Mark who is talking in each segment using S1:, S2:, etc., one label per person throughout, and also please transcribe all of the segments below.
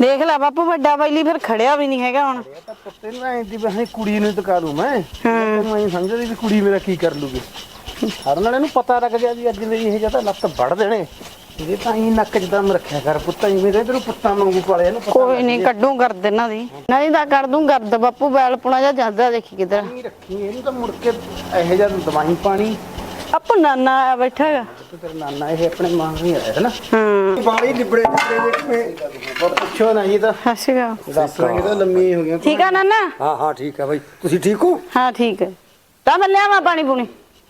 S1: ਦੇਖ ਲੈ ਬਾਪੂ ਵੱਡਾ ਬੈਲੀ ਫਿਰ ਖੜਿਆ ਵੀ ਨਹੀਂ ਹੈਗਾ ਹੁਣ।
S2: ਤਾਂ ਪੁੱਤੇ ਨੂੰ ਐਂ ਦੀ ਬਸ ਕੁੜੀ ਨੂੰ ਟਕਾ ਦੂੰ ਮੈਂ। ਤੈਨੂੰ ਐਂ ਸਮਝਦੀ ਵੀ ਕੁੜੀ ਮੇਰਾ ਕੀ ਕਰ ਲੂਗੀ। ਹਰ ਨਾਲ ਇਹਨੂੰ ਪਤਾ ਲੱਗ ਗਿਆ ਵੀ ਅੱਜ ਮੇਰੀ ਇਹ ਜਿਆਦਾ ਲੱਤ ਵੜ ਦੇਣੇ। ਇਹ ਤਾਂ ਹੀ ਨੱਕ 'ਚ ਦਮ ਰੱਖਿਆ ਕਰ ਪੁੱਤਾਂ ਜਿਵੇਂ ਤੈਨੂੰ ਪੁੱਤਾਂ ਵਾਂਗੂ ਪਾਲਿਆ ਇਹਨੂੰ।
S1: ਕੋਈ ਨਹੀਂ ਕੱਢੂ ਗਰਦ ਇਹਨਾਂ ਦੀ, ਨਹੀਂ ਤਾਂ ਕਰ ਦੂੰ ਗਰਦ ਬਾਪੂ। ਬੈਲ ਪੁਣਾ ਜਾਂ ਜਾਂਦਾ ਦੇਖੀ ਕਿਧਰ
S2: ਰੱਖੀ ਇਹਨੂੰ ਤਾਂ ਮੁੜ ਕੇ ਇਹੋ ਜਿਹਾ ਦਵਾਈ ਪਾਣੀ।
S1: ਆਪੂ ਨਾਨਾ ਆਇਆ ਬੈਠਾ ਹੈਗਾ।
S2: ਤੇਰਾ ਨਾਨਾ ਇਹ ਆਪਣੇ ਮਾਂ ਹੀ ਆਇਆ ਹੈ ਨਾ।
S1: ਹਾਂ
S2: ਬਾਲੀ ਲਿਬੜੇ ਵੇਖੇ ਪੁੱਛੋ ਨਾ ਜੀ ਤਾਂ
S1: ਹੱਸਗਾ
S2: ਡਾਕਟਰਾਂ ਇਹ ਤਾਂ ਲੰਮੀ ਹੋ ਗਈਆਂ।
S1: ਠੀਕ ਆ ਨਾਨਾ?
S3: ਹਾਂ ਹਾਂ ਠੀਕ ਹੈ ਬਾਈ, ਤੁਸੀਂ ਠੀਕ ਹੋ?
S1: ਹਾਂ ਠੀਕ ਹੈ। ਤਾਂ ਮੈਂ ਲਿਆਵਾਂ ਪਾਣੀ ਪੂਣੀ?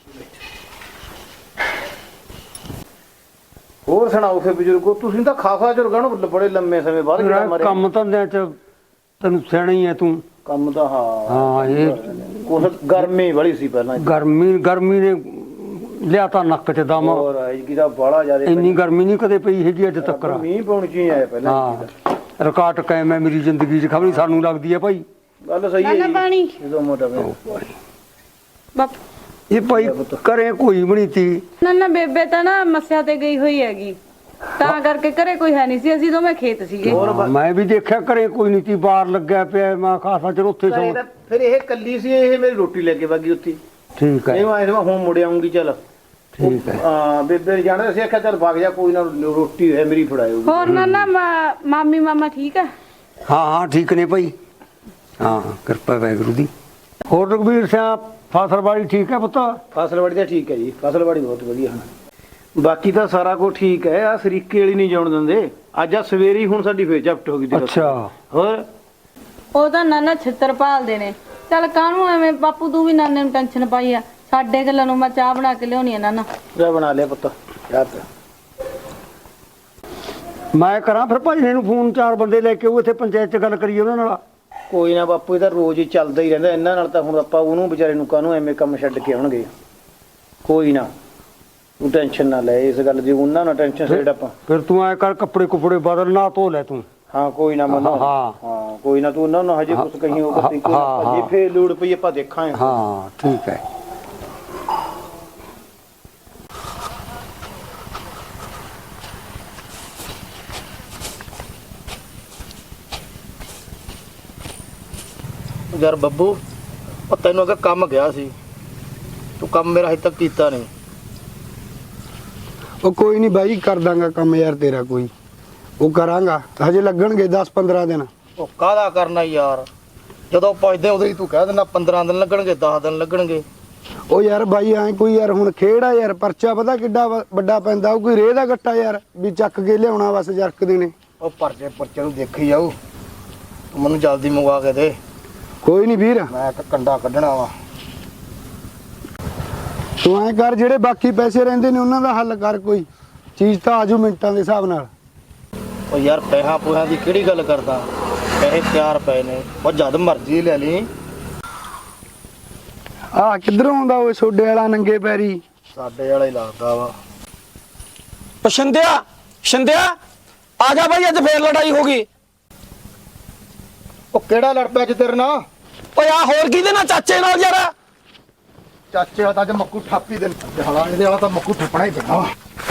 S2: ਹੋਰ ਸੁਣਾਓ ਫਿਰ ਬਜ਼ੁਰਗੋ, ਤੁਸੀਂ ਤਾਂ ਖਾਸਾ ਝੁਰਗਾ ਨੂੰ ਬੜੇ ਲੰਮੇ ਸਮੇਂ ਬਾਅਦ
S3: ਮੇਰਾ
S2: ਜਿਹੜਾ ਮਾਰੇ
S3: ਕੰਮ ਧੰਦਿਆਂ ਚ ਤੈਨੂੰ ਸਿਆਣਾ ਹੀ ਹੈ ਤੂੰ।
S2: ਕੰਮ ਤਾਂ
S3: ਹਾਂ ਇਹ
S2: ਕੁਛ ਗਰਮੀ ਬੜੀ ਸੀ ਪਹਿਲਾਂ।
S3: ਗਰਮੀ ਨੇ ਲਿਆਤਾ ਨੱਕ ਚ ਦਮ।
S2: ਹੋਰ ਐਤਕੀ ਤਾਂ ਬਾਹਲਾ ਜ਼ਿਆਦਾ
S3: ਇੰਨੀ ਗਰਮੀ ਨਹੀਂ ਕਦੇ ਪਈ ਹੈਗੀ ਅੱਜ ਤੱਕ।
S2: ਮੀਂਹ ਪਾਉਣ ਚ ਹੀ ਆਇਆ ਪਹਿਲਾਂ।
S3: ਹਾਂ ਰਿਕਾਰਡ ਕਾਇਮ ਹੈ ਮੇਰੀ ਜ਼ਿੰਦਗੀ ਚ, ਖਬਰ ਸਾਨੂੰ ਲੱਗਦੀ ਹੈ ਭਾਈ।
S2: ਗੱਲ ਸਹੀ ਹੈ
S1: ਨਾਨਾ
S2: ਜੀ।
S1: ਪਾਣੀ
S2: ਜਦੋਂ ਮੋਟਾ
S1: ਬਾਪੂ।
S3: ਇਹ ਭਾਈ ਕਰੇ ਕੋਈ ਵੀ ਨਹੀਂ ਤੀ।
S4: ਨਾ ਬੇਬੇ ਤਾਂ ਨਾ ਮੱਸਿਆ ਤੇ ਗਈ ਹੋਈ ਹੈਗੀ, ਤਾਂ ਕਰਕੇ ਘਰੇ ਕੋਈ ਹੈ ਨਹੀਂ ਸੀ। ਅਸੀਂ ਦੋਵੇਂ ਖੇਤ ਸੀਗੇ।
S3: ਮੈਂ ਵੀ ਦੇਖਿਆ ਕਰੇ ਕੋਈ ਨਹੀਂ ਤੀ, ਬਾਹਰ ਲੱਗਿਆ ਪਿਆ। ਮੈਂ ਖਾਸਾ ਚਿਰ ਉੱਥੇ ਸੌਂ।
S2: ਫਿਰ ਇਹ ਕੱਲੀ ਸੀ, ਇਹ ਮੇਰੀ ਰੋਟੀ ਲੈ ਕੇ ਵਗੀ ਉੱਥੇ।
S3: ਠੀਕ ਹੈ
S2: ਇਹ ਮੈਂ ਹੁਣ ਮੁੜ ਆਉਂਗੀ। ਚੱਲ
S3: ਠੀਕ ਹੈ।
S2: ਹਾਂ ਬੇਬੇ ਜਾਣਾ ਅਸੀਂ ਆਖਿਆ ਚੱਲ ਵਗ ਜਾ, ਕੋਈ ਨਾ ਰੋਟੀ ਹੈ ਮੇਰੀ ਫੜਾਇਓ।
S4: ਹੋਰ ਨਾ ਮਾਮੀ ਮਾਮਾ ਠੀਕ ਆ?
S3: ਹਾਂ ਹਾਂ ਠੀਕ ਨੇ ਭਾਈ। ਹਾਂ ਕਿਰਪਾ ਵਾਹਿਗੁਰੂ ਦੀ। ਹੋਰ ਰਘਬੀਰ ਸਿੰਘ ਫਸਲਬਾੜੀ ਠੀਕ ਹੈ ਪੁੱਤ?
S2: ਫਸਲਵਾੜੀ ਤਾਂ ਠੀਕ ਹੈ ਜੀ, ਫਸਲਵਾੜੀ ਬਹੁਤ ਵਧੀਆ। ਬਾਕੀ ਤਾਂ ਸਾਰਾ ਕੁਝ ਠੀਕ ਹੈ। ਆ ਸਰੀਕੇ ਵਾਲੀ ਨਹੀਂ ਜਾਣ ਦਿੰਦੇ। ਅੱਜ ਆ ਸਵੇਰੀ ਹੁਣ ਸਾਡੀ ਫੇਰ ਝਪਟ ਹੋ ਗਈ।
S3: ਅੱਛਾ
S4: ਉਹ ਤਾਂ ਨਾਨਾ ਛਿੱਤਰ ਭਾਲਦੇ ਨੇ। ਚੱਲ ਕਾਹਨੂੰ ਐਵੇਂ ਬਾਪੂ, ਤੂੰ ਵੀ ਨਾਨੇ ਨੂੰ ਟੈਨਸ਼ਨ ਪਾਈ ਆ। ਸਾਡੇ ਗੱਲਾਂ ਨੂੰ ਮੈਂ ਚਾਹ ਬਣਾ ਕੇ ਲਿਆਉਣੀ ਆ ਨਾਨਾ।
S2: ਚਾਹ ਬਣਾ ਲਿਆ ਪੁੱਤ ਯਾਰ।
S3: ਮੈਂ ਕਰਾਂ ਫਿਰ ਭਾਈ ਨੂੰ ਫੋਨ, 4 ਬੰਦੇ ਲੈ ਕੇ ਉਹ ਇੱਥੇ ਪੰਚਾਇਤ 'ਚ ਗੱਲ ਕਰੀਏ ਉਹਨਾਂ ਨਾਲ।
S2: ਕੋਈ ਨਾ ਬਾਪੂ, ਇਹਦਾ ਰੋਜ਼ ਹੀ ਚੱਲਦਾ ਹੀ ਰਹਿੰਦਾ ਇਹਨਾਂ ਨਾਲ। ਤਾਂ ਹੁਣ ਆਪਾਂ ਉਹਨੂੰ ਵਿਚਾਰੇ ਨੂੰ ਕਾਹਨੂੰ ਐਵੇਂ ਕੰਮ ਛੱਡ ਕੇ ਆਉਣਗੇ। ਕੋਈ ਨਾ ਤੂੰ ਟੈਨਸ਼ਨ ਨਾ ਲੈ ਇਸ ਗੱਲ ਦੀ। ਉਹਨਾਂ ਨਾਲ ਟੈਨਸ਼ਨ ਛੱਡ ਆਪਾਂ।
S3: ਫਿਰ ਤੂੰ ਐ ਕਰ, ਕੱਪੜੇ ਕੁਪੜੇ ਬਦਲ ਨਾ ਧੋ ਲੈ ਤੂੰ।
S2: ਹਾਂ ਕੋਈ ਨਾ ਮਨੋ।
S3: ਹਾਂ
S2: ਹਾਂ ਕੋਈ ਨਾ ਤੂੰ ਉਹਨਾਂ ਨੂੰ ਹਜੇ ਕੁਝ ਕਹੀਂ ਉਹ ਕੋਈ ਨਾ। ਜੇ ਫੇਰ ਲੋੜ ਪਈ ਆਪਾਂ ਦੇਖਾਂਗੇ।
S3: ਹਾਂ ਠੀਕ ਹੈ।
S2: ਯਾਰ ਬੱਬੂ, ਉਹ ਤੈਨੂੰ ਅਗਰ ਕੰਮ ਗਿਆ ਸੀ, ਤੂੰ ਕੰਮ ਮੇਰਾ ਹਜੇ ਤੱਕ ਕੀਤਾ ਨਹੀਂ।
S5: ਉਹ ਕੋਈ ਨਹੀਂ ਬਾਈ, ਕਰ ਦਾਂਗਾ ਕੰਮ ਯਾਰ ਤੇਰਾ। ਕੋਈ ਉਹ ਕਰਾਂਗਾ, ਹਜੇ ਲੱਗਣਗੇ 10-15 ਦਿਨ।
S2: ਉਹ ਕਾਹਦਾ ਕਰਨਾ ਯਾਰ, ਜਦੋਂ ਪੁੱਛਦੇ ਉਦੋਂ ਹੀ ਤੂੰ ਕਹਿ ਦਿੰਦਾ 15 ਦਿਨ ਲੱਗਣਗੇ, 10 ਦਿਨ ਲੱਗਣਗੇ।
S5: ਉਹ ਯਾਰ ਬਾਈ ਐ ਕੋਈ ਯਾਰ ਹੁਣ ਖੇੜਾ ਯਾਰ, ਪਰਚਾ ਪਤਾ ਕਿੱਡਾ ਵੱਡਾ ਪੈਂਦਾ। ਉਹ ਕੋਈ ਰੇਹ ਦਾ ਗੱਟਾ ਯਾਰ ਵੀ ਚੱਕ ਕੇ ਲਿਆਉਣਾ ਬਸ ਜਰਕਦੇ ਨੇ।
S2: ਉਹ ਪਰਚੇ ਨੂੰ ਦੇਖੀ ਜਾਊ। ਤੂੰ ਮੈਨੂੰ ਜਲਦੀ ਮੰਗਵਾ ਕੇ ਦੇ।
S5: ਕੋਈ ਨਹੀਂ ਵੀਰ,
S2: ਮੈਂ ਇੱਕ ਕੰਡਾ ਕੱਢਣਾ ਵਾ।
S5: ਤੂੰ ਐ ਕਰ, ਜਿਹੜੇ ਬਾਕੀ ਪੈਸੇ ਰਹਿੰਦੇ ਨੇ ਉਹਨਾਂ ਦਾ ਹੱਲ ਕਰ। ਕੋਈ ਚੀਜ਼ ਤਾਂ ਆਜੂ ਮਿੰਟਾਂ ਦੇ ਹਿਸਾਬ ਨਾਲ।
S2: ਉਹ ਯਾਰ ਪੈਸਾ ਪੂਸਿਆਂ ਦੀ ਕਿਹੜੀ ਗੱਲ ਕਰਦਾ, ਪੈਸੇ ਤਿਆਰ ਪਏ ਨੇ। ਉਹ ਜਦ ਮਰਜ਼ੀ ਲੈ ਲਈ।
S5: ਆਹ ਕਿੱਧਰੋਂ ਆਉਂਦਾ ਓਏ ਸੋਡੇ ਵਾਲਾ ਨੰਗੇ ਪੈਰੀ?
S2: ਸਾਡੇ ਵਾਲਾ ਹੀ ਲੱਗਦਾ ਵਾ।
S6: ਸ਼ਿੰਦਿਆ ਆ ਜਾ ਬਾਈ, ਅੱਜ ਫੇਰ ਲੜਾਈ ਹੋ ਗਈ।
S2: ਉਹ ਕਿਹੜਾ ਲੜ ਪਿਆ ਅੱਜ ਤੇਰੇ ਨਾਲ?
S6: ਓਏ ਆ ਹੋਰ ਕਿਹਦੇ ਨਾਲ? ਚਾਚੇ ਨਾਲ ਯਾਰ।
S2: ਚਾਚੇ ਵਾਲਾ ਤਾਂ ਅੱਜ ਮੱਕੂ ਠਾਪੀ ਦੇ ਹਾਲਾਂ। ਇਹਦੇ ਵਾਲਾ ਤਾਂ ਮੱਕੂ ਠੱਪਣਾ ਹੀ ਪੈਣਾ ਵਾ।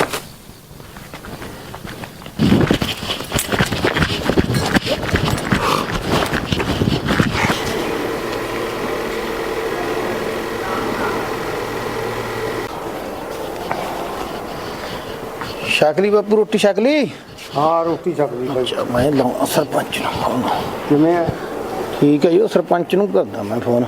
S2: ਸ਼ਕਲੀ ਬਾਪੂ, ਰੋਟੀ ਸ਼ਕਲੀ?
S5: ਹਾਂ ਰੋਟੀ ਛਕ ਲਈ ਬਾਈ।
S2: ਅੱਛਾ ਮੈਂ ਲਾਉਣਾ ਸਰਪੰਚ ਨੂੰ ਫੋਨ।
S5: ਕਿਵੇਂ ਐ?
S2: ਠੀਕ ਹੈ ਜੀ, ਉਹ ਸਰਪੰਚ ਨੂੰ ਕਰਦਾ ਮੈਂ ਫੋਨ।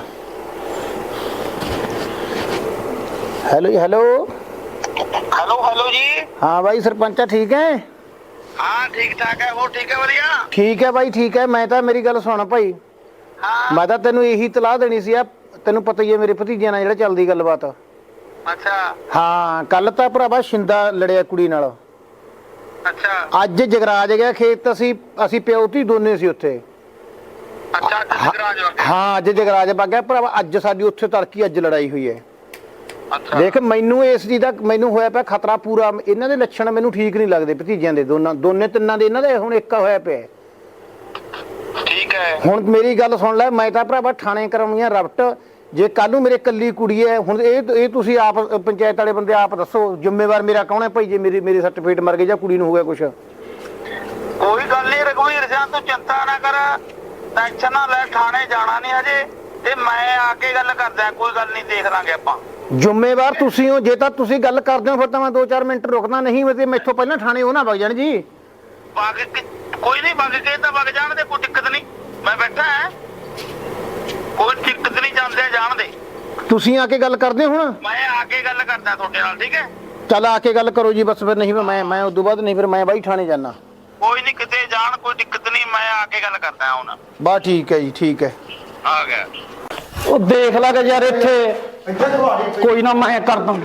S2: ਹੈਲੋ ਜੀ। ਹੈਲੋ
S7: ਹੈਲੋ ਜੀ।
S2: ਹਾਂ ਬਾਈ ਸਰਪੰਚਾ, ਠੀਕ ਹੈ?
S7: ਹਾਂ ਠੀਕ ਠਾਕ ਹੈ। ਹੋਰ ਠੀਕ ਹੈ? ਵਧੀਆ।
S2: ਠੀਕ ਹੈ ਬਾਈ, ਠੀਕ ਹੈ। ਮੈਂ ਤਾਂ ਮੇਰੀ ਗੱਲ ਸੁਣ ਭਾਈ,
S7: ਹਾਂ
S2: ਮੈਂ ਤਾਂ ਤੈਨੂੰ ਇਹੀ ਤਲਾਹ ਦੇਣੀ ਸੀ। ਆ ਤੈਨੂੰ ਪਤਾ ਹੀ ਹੈ ਮੇਰੇ ਭਤੀਜਿਆਂ ਨਾਲ ਜਿਹੜਾ ਚੱਲਦੀ ਗੱਲਬਾਤ।
S7: ਅੱਛਾ
S2: ਹਾਂ ਕੱਲ ਤਾਂ ਭਰਾਵਾ ਸ਼ਿੰਦਾ ਲੜਿਆ ਕੁੜੀ ਨਾਲ।
S7: ਅੱਛਾ
S2: ਅੱਜ ਜਗਰਾਜ ਗਿਆ ਖੇਤ। ਅਸੀਂ ਪਿਓ ਧੀ ਦੋਨੇ ਸੀ ਉੱਥੇ।
S7: ਅੱਛਾ ਜਗਰਾਜ ਵਾਲਾ।
S2: ਹਾਂ ਅੱਜ ਜਗਰਾਜ ਵਗ ਗਿਆ ਭਰਾਵਾ। ਅੱਜ ਸਾਡੀ ਉੱਥੇ ਤੜਕੀ ਅੱਜ ਲੜਾਈ ਹੋਈ ਹੈ।
S7: ਅੱਛਾ
S2: ਦੇਖ ਮੈਨੂੰ ਇਸ ਚੀਜ਼ ਦਾ ਮੈਨੂੰ ਹੋਇਆ ਪਿਆ ਖਤਰਾ ਪੂਰਾ। ਇਹਨਾਂ ਦੇ ਲੱਛਣ ਮੈਨੂੰ ਠੀਕ ਨਹੀਂ ਲੱਗਦੇ ਭਤੀਜਿਆਂ ਦੇ। ਦੋਨੇ ਤਿੰਨਾਂ ਦੇ ਇਹਨਾਂ ਦੇ ਹੁਣ ਇੱਕ ਹੋਇਆ ਪਿਆ।
S7: ਠੀਕ ਹੈ।
S2: ਹੁਣ ਮੇਰੀ ਗੱਲ ਸੁਣ ਲੈ, ਮੈਂ ਤਾਂ ਭਰਾਵਾ ਥਾਣੇ ਕਰਾਉਣੀ ਆ ਰਫਟ। ਜੇ ਕੱਲ ਨੂੰ ਮੇਰੇ ਕੱਲੀ ਕੁੜੀ ਹੈ, ਹੁਣ ਇਹ ਤੁਸੀਂ ਆਪ ਪੰਚਾਇਤ ਵਾਲੇ ਬੰਦੇ ਆਪ ਦੱਸੋ ਜ਼ਿੰਮੇਵਾਰ ਮੇਰਾ ਕੌਣ ਹੈ ਭਾਈ? ਜੇ ਮੇਰੀ ਸਰਟੀਫਿਕੇਟ ਮਰ ਗਈ ਜਾਂ ਕੁੜੀ ਨੂੰ ਹੋ ਗਿਆ ਕੁਛ?
S7: ਕੋਈ ਗੱਲ ਨਹੀਂ, ਰਘਵੀਰ ਸਿੰਘ ਤੂੰ ਚਿੰਤਾ ਨਾ ਕਰ, ਟੈਨਸ਼ਨ ਨਾ ਲੈ, ਥਾਣੇ ਜਾਣਾ ਨਹੀਂ ਹਜੇ, ਤੇ ਮੈਂ ਆ ਕੇ ਗੱਲ ਕਰਦਾ, ਕੋਈ ਗੱਲ ਨਹੀਂ, ਦੇਖ ਲਾਂਗੇ ਆਪਾਂ।
S2: ਜ਼ਿੰਮੇਵਾਰ ਤੁਸੀਂ ਹੋ, ਜੇ ਤਾਂ ਤੁਸੀਂ ਗੱਲ ਕਰਦੇ ਹੋ ਫਿਰ ਤਾਂ ਮੈਂ 2-4 ਮਿੰਟ ਰੁਕਦਾ, ਨਹੀਂ ਤੇ ਮੈਥੋਂ ਪਹਿਲਾਂ ਥਾਣੇ ਉਹ ਨਾ ਵਗ ਜਾਣ ਜੀ।
S7: ਕੋਈ ਨਹੀਂ, ਵਗ ਕੇ ਤਾਂ ਵਗ ਜਾਣ ਦੇ, ਕੋਈ ਦਿੱਕਤ ਨਹੀਂ, ਮੈਂ ਬੈਠਾ ਹਾਂ, ਕੋਈ ਦਿੱਕਤ ਨਹੀਂ, ਜਾਂਦੇ ਜਾਣ ਦੇ।
S2: ਤੁਸੀਂ ਆ ਕੇ ਗੱਲ ਕਰਦੇ ਹੋ ਹੁਣ?
S7: ਮੈਂ ਆ ਕੇ ਗੱਲ ਕਰਦਾ ਤੁਹਾਡੇ ਨਾਲ, ਠੀਕ ਹੈ?
S2: ਚੱਲ ਆ ਕੇ ਗੱਲ ਕਰੋ ਜੀ, ਬਸ ਫਿਰ ਨਹੀਂ ਮੈਂ ਉਦੋਂ ਬਾਅਦ ਨਹੀਂ, ਫਿਰ ਮੈਂ ਬਾਈ ਥਾਣੇ ਜਾਣਾ।
S7: ਕੋਈ ਨਹੀਂ, ਕਿਤੇ ਜਾਣ, ਕੋਈ ਦਿੱਕਤ ਨਹੀਂ, ਮੈਂ ਆ ਕੇ ਗੱਲ ਕਰਦਾ ਹੁਣ।
S2: ਬਸ ਠੀਕ ਹੈ ਜੀ, ਠੀਕ ਹੈ।
S7: ਆ ਗਿਆ।
S6: ਉਹ ਦੇਖ ਲਾ ਕੇ ਯਾਰ ਇੱਥੇ ਕੋਈ ਨਾ ਮੈਂ ਕਰ ਦੂੰ।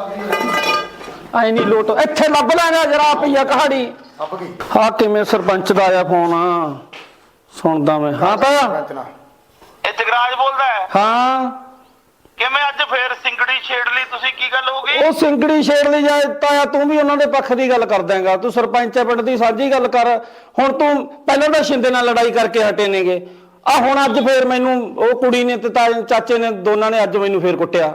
S6: ਐ ਨਹੀਂ ਲੋਟ, ਇੱਥੇ ਲੱਭ ਲੈਣਾ ਜਰਾ ਪਈਆ ਕਹਾੜੀ। ਹਾਂ ਕਿਵੇਂ ਸਰਪੰਚ ਦਾ ਆਇਆ ਫੋਨ? ਸੁਣਦਾ ਮੈਂ। ਹਾਂ ਤਾਇਆ।
S7: ਇਹ ਜਗਰਾਜ ਬੋਲਦਾ ਹੈ?
S6: ਹਾਂ
S7: ਕਿਵੇਂ ਅੱਜ ਫੇਰ ਸਿੰਗੜੀ ਛੇੜ ਲਈ ਤੁਸੀਂ, ਕੀ ਗੱਲ ਹੋ ਗਈ?
S6: ਉਹ ਸਿੰਗੜੀ ਛੇੜ ਲਈ ਜਾਏ ਤਾਇਆ, ਤੂੰ ਵੀ ਉਹਨਾਂ ਦੇ ਪੱਖ ਦੀ ਗੱਲ ਕਰ ਦੇਂਗਾ। ਤੂੰ ਸਰਪੰਚ ਪਿੰਡ ਦੀ ਸਾਂਝੀ ਗੱਲ ਕਰ। ਹੁਣ ਤੂੰ ਪਹਿਲਾਂ ਤਾਂ ਸ਼ਿੰਦੇ ਨਾਲ ਲੜਾਈ ਕਰਕੇ ਹਟੇ ਨੇਗੇ, ਆ ਹੁਣ ਅੱਜ ਫੇਰ ਮੈਨੂੰ ਉਹ ਕੁੜੀ ਨੇ ਤੇ ਚਾਚੇ ਨੇ, ਦੋਨਾਂ ਨੇ ਅੱਜ ਮੈਨੂੰ ਫੇਰ ਕੁੱਟਿਆ।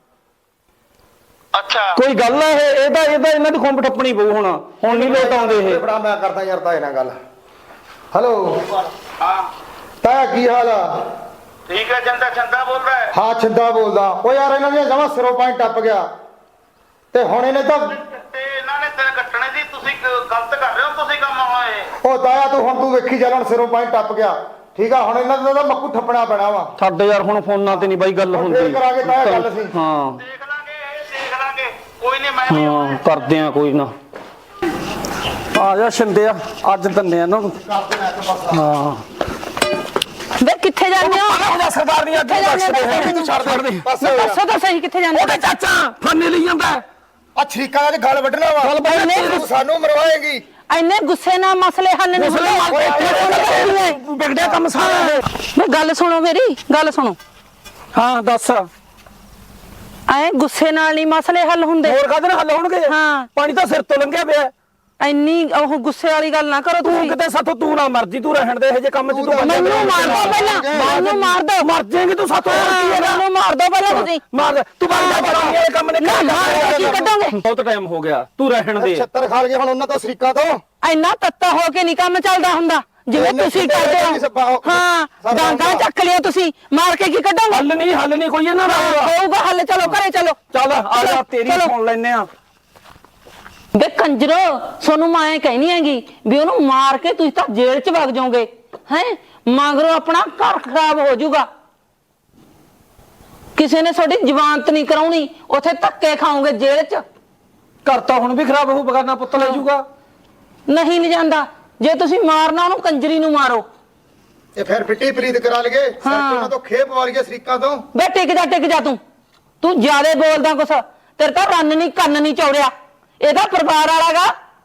S7: ਅੱਛਾ,
S6: ਕੋਈ ਗੱਲ ਹੈ ਇਹ? ਇਹਦਾ ਇਹਨਾਂ ਦੀ ਖੁੰਬ ਠੱਪਣੀ ਪਊ ਹੁਣ ਨਹੀਂ ਲੋਟ ਆਉਂਦੇ ਇਹ।
S5: ਬੜਾ ਮੈਂ ਕਰਦਾ ਯਾਰ ਤਾਏ ਨਾਲ ਗੱਲ। ਹੈਲੋ
S7: ਹਾਂ
S5: ਤਾਇਆ, ਕੀ ਹਾਲ ਆ?
S7: ਠੀਕ ਹੈ। ਚੰਦਾ ਬੋਲਦਾ ਹੈ?
S5: ਹਾਂ ਛਿੰਦਾ ਬੋਲਦਾ। ਉਹ ਯਾਰ ਇਹਨਾਂ ਦੀਆਂ ਜਮਾਂ ਸਿਰੋਂ ਪਾਣੀ ਟੱਪ ਗਿਆ, ਤੇ ਹੁਣ ਇਹਨੇ ਤਾਂ
S7: ਤੇ ਇਹਨਾਂ ਨੇ ਤੇਰੇ ਕੱਟਣੇ ਦੀ, ਤੁਸੀਂ ਗਲਤ ਕਰ ਰਹੇ ਹੋ ਤੁਸੀਂ ਕੰਮ ਹੋਏ।
S5: ਉਹ ਤਾਇਆ ਤੂੰ ਵੇਖੀ ਚੱਲ, ਹੁਣ ਸਿਰੋਂ ਪਾਣੀ ਟੱਪ ਗਿਆ, ਠੀਕ ਆ? ਹੁਣ ਇਹਨਾਂ ਦਾ ਤਾਂ ਮੱਕੂ ਠੱਪਣਾ ਪੈਣਾ ਵਾ।
S6: ਛੱਡ ਯਾਰ, ਹੁਣ ਫੋਨਾਂ ਤੇ ਨਹੀਂ ਬਾਈ ਗੱਲ ਹੁੰਦੀ।
S5: ਫੇਰ ਕਰਾਂਗੇ ਤਾਇਆ ਗੱਲ ਅਸੀਂ।
S6: ਹਾਂ
S7: ਦੇਖ ਲਾਂਗੇ, ਕੋਈ ਨਹੀਂ, ਮੈਂ ਵੀ
S6: ਹਾਂ ਕਰਦੇ ਆ, ਕੋਈ ਨਾ। ਆ ਜਾ ਸ਼ਿੰਦੇ, ਅੱਜ ਦੰਨੇ ਇਹਨਾਂ ਨੂੰ। ਹਾਂ
S1: ਵੇ ਕਿੱਥੇ ਜਾਂਦੇ ਹੋ?
S6: ਉਹਦਾ ਸਰਦਾਰ ਨਹੀਂ ਅੱਜ ਬਖਸ਼ ਦੇ, ਤੂੰ ਛੱਡ ਦੇ।
S1: ਦੱਸੋ ਤਾਂ ਸਹੀ, ਕਿੱਥੇ ਜਾਂਦੇ
S6: ਉਹਦਾ ਚਾਚਾ ਫਾਨੇ ਲਈ ਜਾਂਦਾ।
S5: ਆ ਛਰੀਕਾਂ ਦਾ ਗੱਲ ਵੱਢਣਾ ਵਾ, ਤੂੰ ਸਾਨੂੰ ਮਰਵਾਏਗੀ।
S1: ਇੰਨੇ ਗੁੱਸੇ ਨਾਲ ਮਸਲੇ ਹੱਲ ਨਹੀਂ ਹੁੰਦੇ।
S6: ਵਿਗੜਿਆ ਕੰਮ ਸਾਰਾ।
S1: ਵੇ ਗੱਲ ਸੁਣੋ, ਮੇਰੀ ਗੱਲ ਸੁਣੋ।
S6: ਹਾਂ ਦੱਸ।
S1: ਐ ਗੁੱਸੇ ਨਾਲ ਨਹੀਂ ਮਸਲੇ ਹੱਲ ਹੁੰਦੇ।
S6: ਹੋਰ ਕਾਹਦੇ ਨਾਲ ਹੱਲ ਹੋਣਗੇ?
S1: ਹਾਂ।
S6: ਪਾਣੀ ਤਾਂ ਸਿਰ ਤੋਂ ਲੰਘਿਆ ਪਿਆ।
S1: ਇੰਨੀ ਉਹ ਗੁੱਸੇ ਵਾਲੀ ਗੱਲ ਨਾ ਕਰੋ
S6: ਤੂੰ
S1: ਤੁਸੀਂ।
S6: ਕਿਤੇ ਸਾਥੋਂ ਤੂੰ ਨਾ ਮਰਜੀ, ਤੂੰ ਰਹਿਣ ਦੇ ਇਹ ਜੇ ਕੰਮ ਚ। ਤੂੰ
S1: ਮੈਨੂੰ ਮਾਰ ਦੋ ਪਹਿਲਾਂ, ਮੈਨੂੰ ਮਾਰ ਦੋ।
S6: ਮਰ ਜਾਏਂਗੀ ਤੂੰ ਸਾਥੋਂ।
S1: ਮੈਨੂੰ ਮਾਰ ਦੋ ਪਹਿਲਾਂ ਤੁਸੀਂ।
S6: ਮਾਰ ਤੂੰ ਬਾਹਰ ਜਾ ਕੇ ਵਾਲੇ ਕੰਮ ਨੇ
S1: ਕੀ ਕੱਢੋਗੇ?
S6: ਬਹੁਤ ਟਾਈਮ ਹੋ ਗਿਆ, ਤੂੰ ਰਹਿਣ ਦੇ।
S5: 76 ਖਾ ਲਏ ਹੁਣ ਉਹਨਾਂ ਤੋਂ ਸ਼ਰੀਕਾਂ ਤੋਂ।
S1: ਇੰਨਾ ਤੱਤਾ ਹੋ ਕੇ ਨਹੀਂ ਕੰਮ ਚੱਲਦਾ ਹੁੰਦਾ ਜਿਵੇਂ ਤੁਸੀਂ ਕਰਦੇ ਹੋ। ਹਾਂ, ਡਾਂਗਾ ਚੱਕ ਲਿਓ ਤੁਸੀਂ, ਮਾਰ ਕੇ ਕੀ ਕੱਢੋਗੇ?
S6: ਹੱਲ ਨਹੀਂ ਕੋਈ ਇਹਨਾਂ ਦਾ
S1: ਹੋਊਗਾ ਹੱਲ। ਚਲੋ ਘਰੇ ਚਲੋ।
S6: ਚੱਲ ਆ ਜਾ, ਤੇਰੀ ਸੁਣ ਲੈਨੇ ਆ।
S1: ਵੇ ਕੰਜਰੋ, ਤੁਹਾਨੂੰ ਮੈਂ ਕਹਿਣੀ ਹੈਗੀ ਵੀ ਉਹਨੂੰ ਮਾਰ ਕੇ ਤੁਸੀਂ ਤਾਂ ਜੇਲ੍ਹ 'ਚ ਵਗ ਜਾਓਗੇ। ਹੈ ਮਗਰੋਂ ਆਪਣਾ ਘਰ ਖਰਾਬ ਹੋ ਜਾਊਗਾ। ਕਿਸੇ ਨੇ ਤੁਹਾਡੀ ਜ਼ਮਾਨਤ ਨਹੀਂ ਕਰਾਉਣੀ, ਉੱਥੇ ਧੱਕੇ ਖਾਓਗੇ ਜੇਲ੍ਹ 'ਚ।
S6: ਘਰ ਤਾਂ ਹੁਣ ਵੀ ਖਰਾਬ ਹੋਊ, ਬਗਾਨਾ ਪੁੱਤ ਲੈ ਜਾਊਗਾ।
S1: ਨਹੀਂ ਜਾਂਦਾ, ਜੇ ਤੁਸੀਂ ਮਾਰਨਾ ਉਹਨੂੰ ਕੰਜਰੀ ਨੂੰ ਮਾਰੋ।
S5: ਇਹ ਫਿਰ ਫਿੱਟੀ ਪ੍ਰੀਤ ਕਰਾ ਲਈਏ, ਉਹਨਾਂ ਤੋਂ ਖੇਪ ਵਾਲੀਏ ਸ਼ਰੀਕਾਂ ਤੋਂ।
S1: ਵੇ ਟਿਕ ਜਾ ਤੂੰ ਜਿਆਦੇ ਬੋਲਦਾ ਕੁਛ। ਤੇਰੇ ਤਾਂ ਰੰਨ ਨਹੀਂ ਕੰਨ ਨਹੀਂ ਚੌੜਿਆ, ਇਹਦਾ ਪਰਿਵਾਰ ਵਾਲਾਗਾ।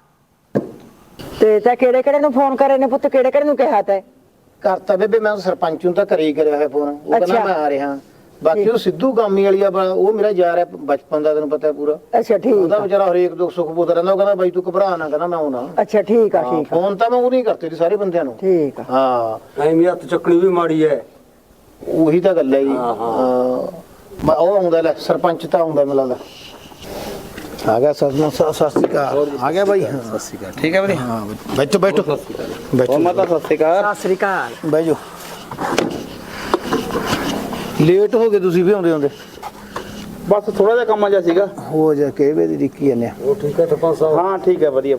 S8: ਤੇ ਤਾਂ ਕਿਹੜੇ ਨੂੰ ਫੋਨ ਕਰੇ ਨੇ ਪੁੱਤ, ਕਿਹੜੇ ਨੂੰ ਕਿਹਾ ਤੈ?
S2: ਕਰਤਾ ਬੇਬੇ, ਮੈਂ ਸਰਪੰਚ ਨੂੰ ਤਾਂ ਘਰੇ ਹੀ ਕਰਿਆ ਹੋਇਆ ਫੋਨ। ਉਹ ਕਹਿੰਦਾ ਮੈਂ ਆ ਰਿਹਾ। ਬਾਕੀ ਉਹ ਸਿੱਧੂ ਗਾਮੀ ਵਾਲੀ ਆ, ਉਹ ਮੇਰਾ ਯਾਰ ਹੈ ਬਚਪਨ ਦਾ, ਤੈਨੂੰ ਪਤਾ ਪੂਰਾ।
S8: ਅੱਛਾ ਠੀਕ।
S2: ਉਹਦਾ ਵਿਚਾਰਾ ਹਰੇਕ ਦੁੱਖ ਸੁੱਖ ਪੁੱਛਦਾ ਰਹਿੰਦਾ। ਉਹ ਕਹਿੰਦਾ ਬਾਈ ਤੂੰ ਘਬਰਾ ਨਾ, ਕਹਿੰਦਾ ਮੈਂ ਆਉਣਾ।
S8: ਅੱਛਾ ਠੀਕ ਆ ਠੀਕ ਆ।
S2: ਫੋਨ ਤਾਂ ਮੈਂ ਉਹ ਨਹੀਂ ਕਰਤੇ ਸੀ ਸਾਰੇ ਬੰਦਿਆਂ ਨੂੰ।
S8: ਠੀਕ ਆ।
S2: ਹਾਂ
S3: ਐਵੇਂ ਹੱਥ ਚੱਕਣੀ ਵੀ ਮਾੜੀ ਐ।
S2: ਉਹੀ ਤਾਂ ਗੱਲ ਹੈ ਜੀ। ਹਾਂ ਉਹ ਆਉਂਦਾ, ਲੈ ਸਰਪੰਚ ਤਾਂ ਆਉਂਦਾ ਮੈਨੂੰ ਲੱਗਦਾ। ਆ ਗਿਆ ਸਤਿ ਸ਼੍ਰੀ ਅਕਾਲ। ਆ ਗਿਆ ਬਾਈ। ਸਤਿ ਸ਼੍ਰੀ ਅਕਾਲ। ਠੀਕ ਹੈ ਵਧੀਆ। ਹਾਂ ਬੈਠੋ ਬੈਠੋ ਮਾਤਾ। ਸਤਿ ਸ਼੍ਰੀ ਅਕਾਲ।
S8: ਸਤਿ ਸ੍ਰੀ ਅਕਾਲ।
S2: ਬਹਿ ਜਾਓ। ਲੇਟ ਹੋ ਗਏ ਤੁਸੀਂ ਵੀ ਆਉਂਦੇ।
S9: ਬਸ ਥੋੜਾ ਜਿਹਾ ਕੰਮ ਆ ਜਾ ਸੀਗਾ।
S2: ਹੋ ਜਾ ਕੇ ਵੇ ਦੀ ਦਿੱਕੀ ਜਾਂਦੇ ਆ।
S3: ਉਹ ਠੀਕ ਹੈ ਸਰਪੰਚ ਸਾਹਿਬ?
S9: ਹਾਂ ਠੀਕ ਹੈ, ਵਧੀਆ।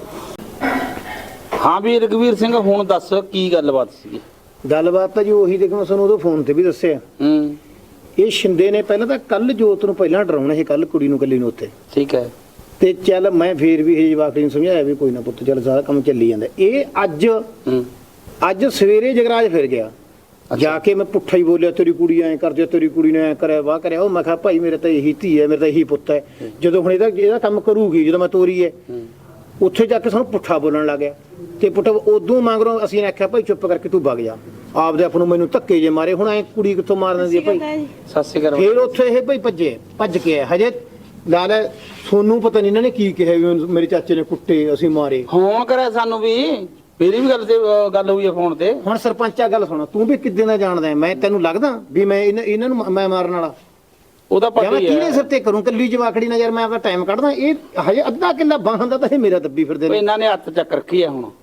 S9: ਹਾਂ ਵੀ ਰਘਵੀਰ ਸਿੰਘ, ਹੁਣ ਦੱਸ ਕੀ ਗੱਲਬਾਤ ਸੀਗੀ?
S2: ਗੱਲਬਾਤ ਤਾਂ ਜੀ ਉਹੀ ਦੇਖੋ, ਮੈਂ ਤੁਹਾਨੂੰ ਉਦੋਂ ਫੋਨ ਤੇ ਵੀ ਦੱਸਿਆ। ਇਹ ਸ਼ਿੰਦੇ ਨੇ ਪਹਿਲਾਂ ਤਾਂ ਕੱਲ ਜੋਤ ਨੂੰ ਪਹਿਲਾਂ ਡਰਾਉਣਾ ਸੀ, ਕੱਲ ਕੁੜੀ ਨੂੰ ਕੱਲੀ ਨੂੰ ਉੱਥੇ।
S9: ਠੀਕ ਹੈ।
S2: ਤੇ ਚੱਲ ਮੈਂ ਫੇਰ ਵੀ ਇਹ ਜਵਾਕੜੀ ਨੂੰ ਸਮਝਾਇਆ ਵੀ ਕੋਈ ਨਾ ਪੁੱਤ, ਚੱਲ ਸਾਰਾ ਕੰਮ ਚੱਲੀ ਜਾਂਦਾ। ਇਹ ਅੱਜ ਸਵੇਰੇ ਜਗਰਾਜ ਫਿਰ ਗਿਆ, ਜਾ ਕੇ ਮੈਂ ਪੁੱਠਾ ਹੀ ਬੋਲਿਆ, ਤੇਰੀ ਕੁੜੀ ਐਂ ਕਰਦੀ, ਤੇਰੀ ਕੁੜੀ ਨੇ ਐਂ ਕਰਿਆ ਵਾਹ ਕਰਿਆ। ਉਹ ਮੈਂ ਕਿਹਾ ਭਾਈ ਮੇਰੇ ਤਾਂ ਇਹੀ ਧੀ ਹੈ, ਮੇਰੇ ਤਾਂ ਇਹੀ ਪੁੱਤ ਹੈ। ਜਦੋਂ ਹੁਣ ਇਹਦਾ ਕੰਮ ਕਰੂਗੀ, ਜਦੋਂ ਮੈਂ ਤੋਰੀ ਹੈ, ਉੱਥੇ ਜਾ ਕੇ ਸਾਨੂੰ ਪੁੱਠਾ ਬੋਲਣ ਲੱਗ ਗਿਆ। ਤੇ ਪੁੱਠਾ ਉਦੋਂ ਮਗਰੋਂ ਅਸੀਂ ਨੇ ਆਖਿਆ ਭਾਈ ਚੁੱਪ ਕਰਕੇ ਤੂੰ ਵਗ ਜਾ। ਆਪਦੇ ਆਪ ਨੂੰ ਮੈਨੂੰ ਧੱਕੇ ਜੇ ਮਾਰੇ, ਹੁਣ ਐ ਕੁੜੀ ਕਿੱਥੋਂ ਮਾਰ ਦਿੰਦੀ ਹੈ ਭਾਈ।
S9: ਸਤਿ ਸ਼੍ਰੀ ਅਕਾਲ।
S2: ਫੇਰ ਉੱਥੇ ਇਹ ਭਾਈ ਭੱਜ ਕੇ ਆਇਆ। ਹਜੇ ਲਾ ਲੈ, ਸੋਨੂੰ ਪਤਾ ਨਹੀਂ ਇਹਨਾਂ ਨੇ ਕੀ ਕਿਹਾ ਵੀ ਮੇਰੇ ਚਾਚੇ ਨੇ ਕੁੱਟੇ, ਅਸੀਂ ਮਾਰੇ।
S9: ਫੋਨ ਕਰਿਆ ਸਾਨੂੰ ਵੀ, ਮੇਰੀ ਵੀ ਗੱਲ ਹੋਈ ਹੈ ਫੋਨ ਤੇ।
S2: ਹੁਣ ਸਰਪੰਚਾ ਗੱਲ ਸੁਣ, ਤੂੰ ਵੀ ਕਿੱਦਾਂ ਦਾ ਜਾਣਦਾ? ਮੈਂ ਤੈਨੂੰ ਲੱਗਦਾ ਵੀ ਮੈਂ ਇਹਨਾਂ ਨੂੰ ਮੈਂ ਮਾਰਨ ਵਾਲਾ?
S9: ਉਹਦਾ ਪਤਾ
S2: ਮੈਂ
S9: ਹੀ
S2: ਕਿਹਨੇ
S9: ਹੈ।
S2: ਸਿਰ ਤੇ ਕਰੂੰ? ਕੱਲੀ ਜਵਾਕੜੀ ਨਾਲ ਯਾਰ ਮੈਂ ਆਪਣਾ ਟਾਈਮ ਕੱਢਦਾ। ਇਹ ਹਜੇ ਅੱਧਾ ਕਿੱਲਾ ਬਾਹਾਂ ਦਾ ਤਾਂ ਇਹ ਮੇਰਾ ਦੱਬੀ ਫਿਰਦੇ ਨੇ।
S9: ਇਹਨਾਂ ਨੇ ਹੱਥ ਚੱਕ ਰੱਖੀ ਹੈ ਹੁਣ।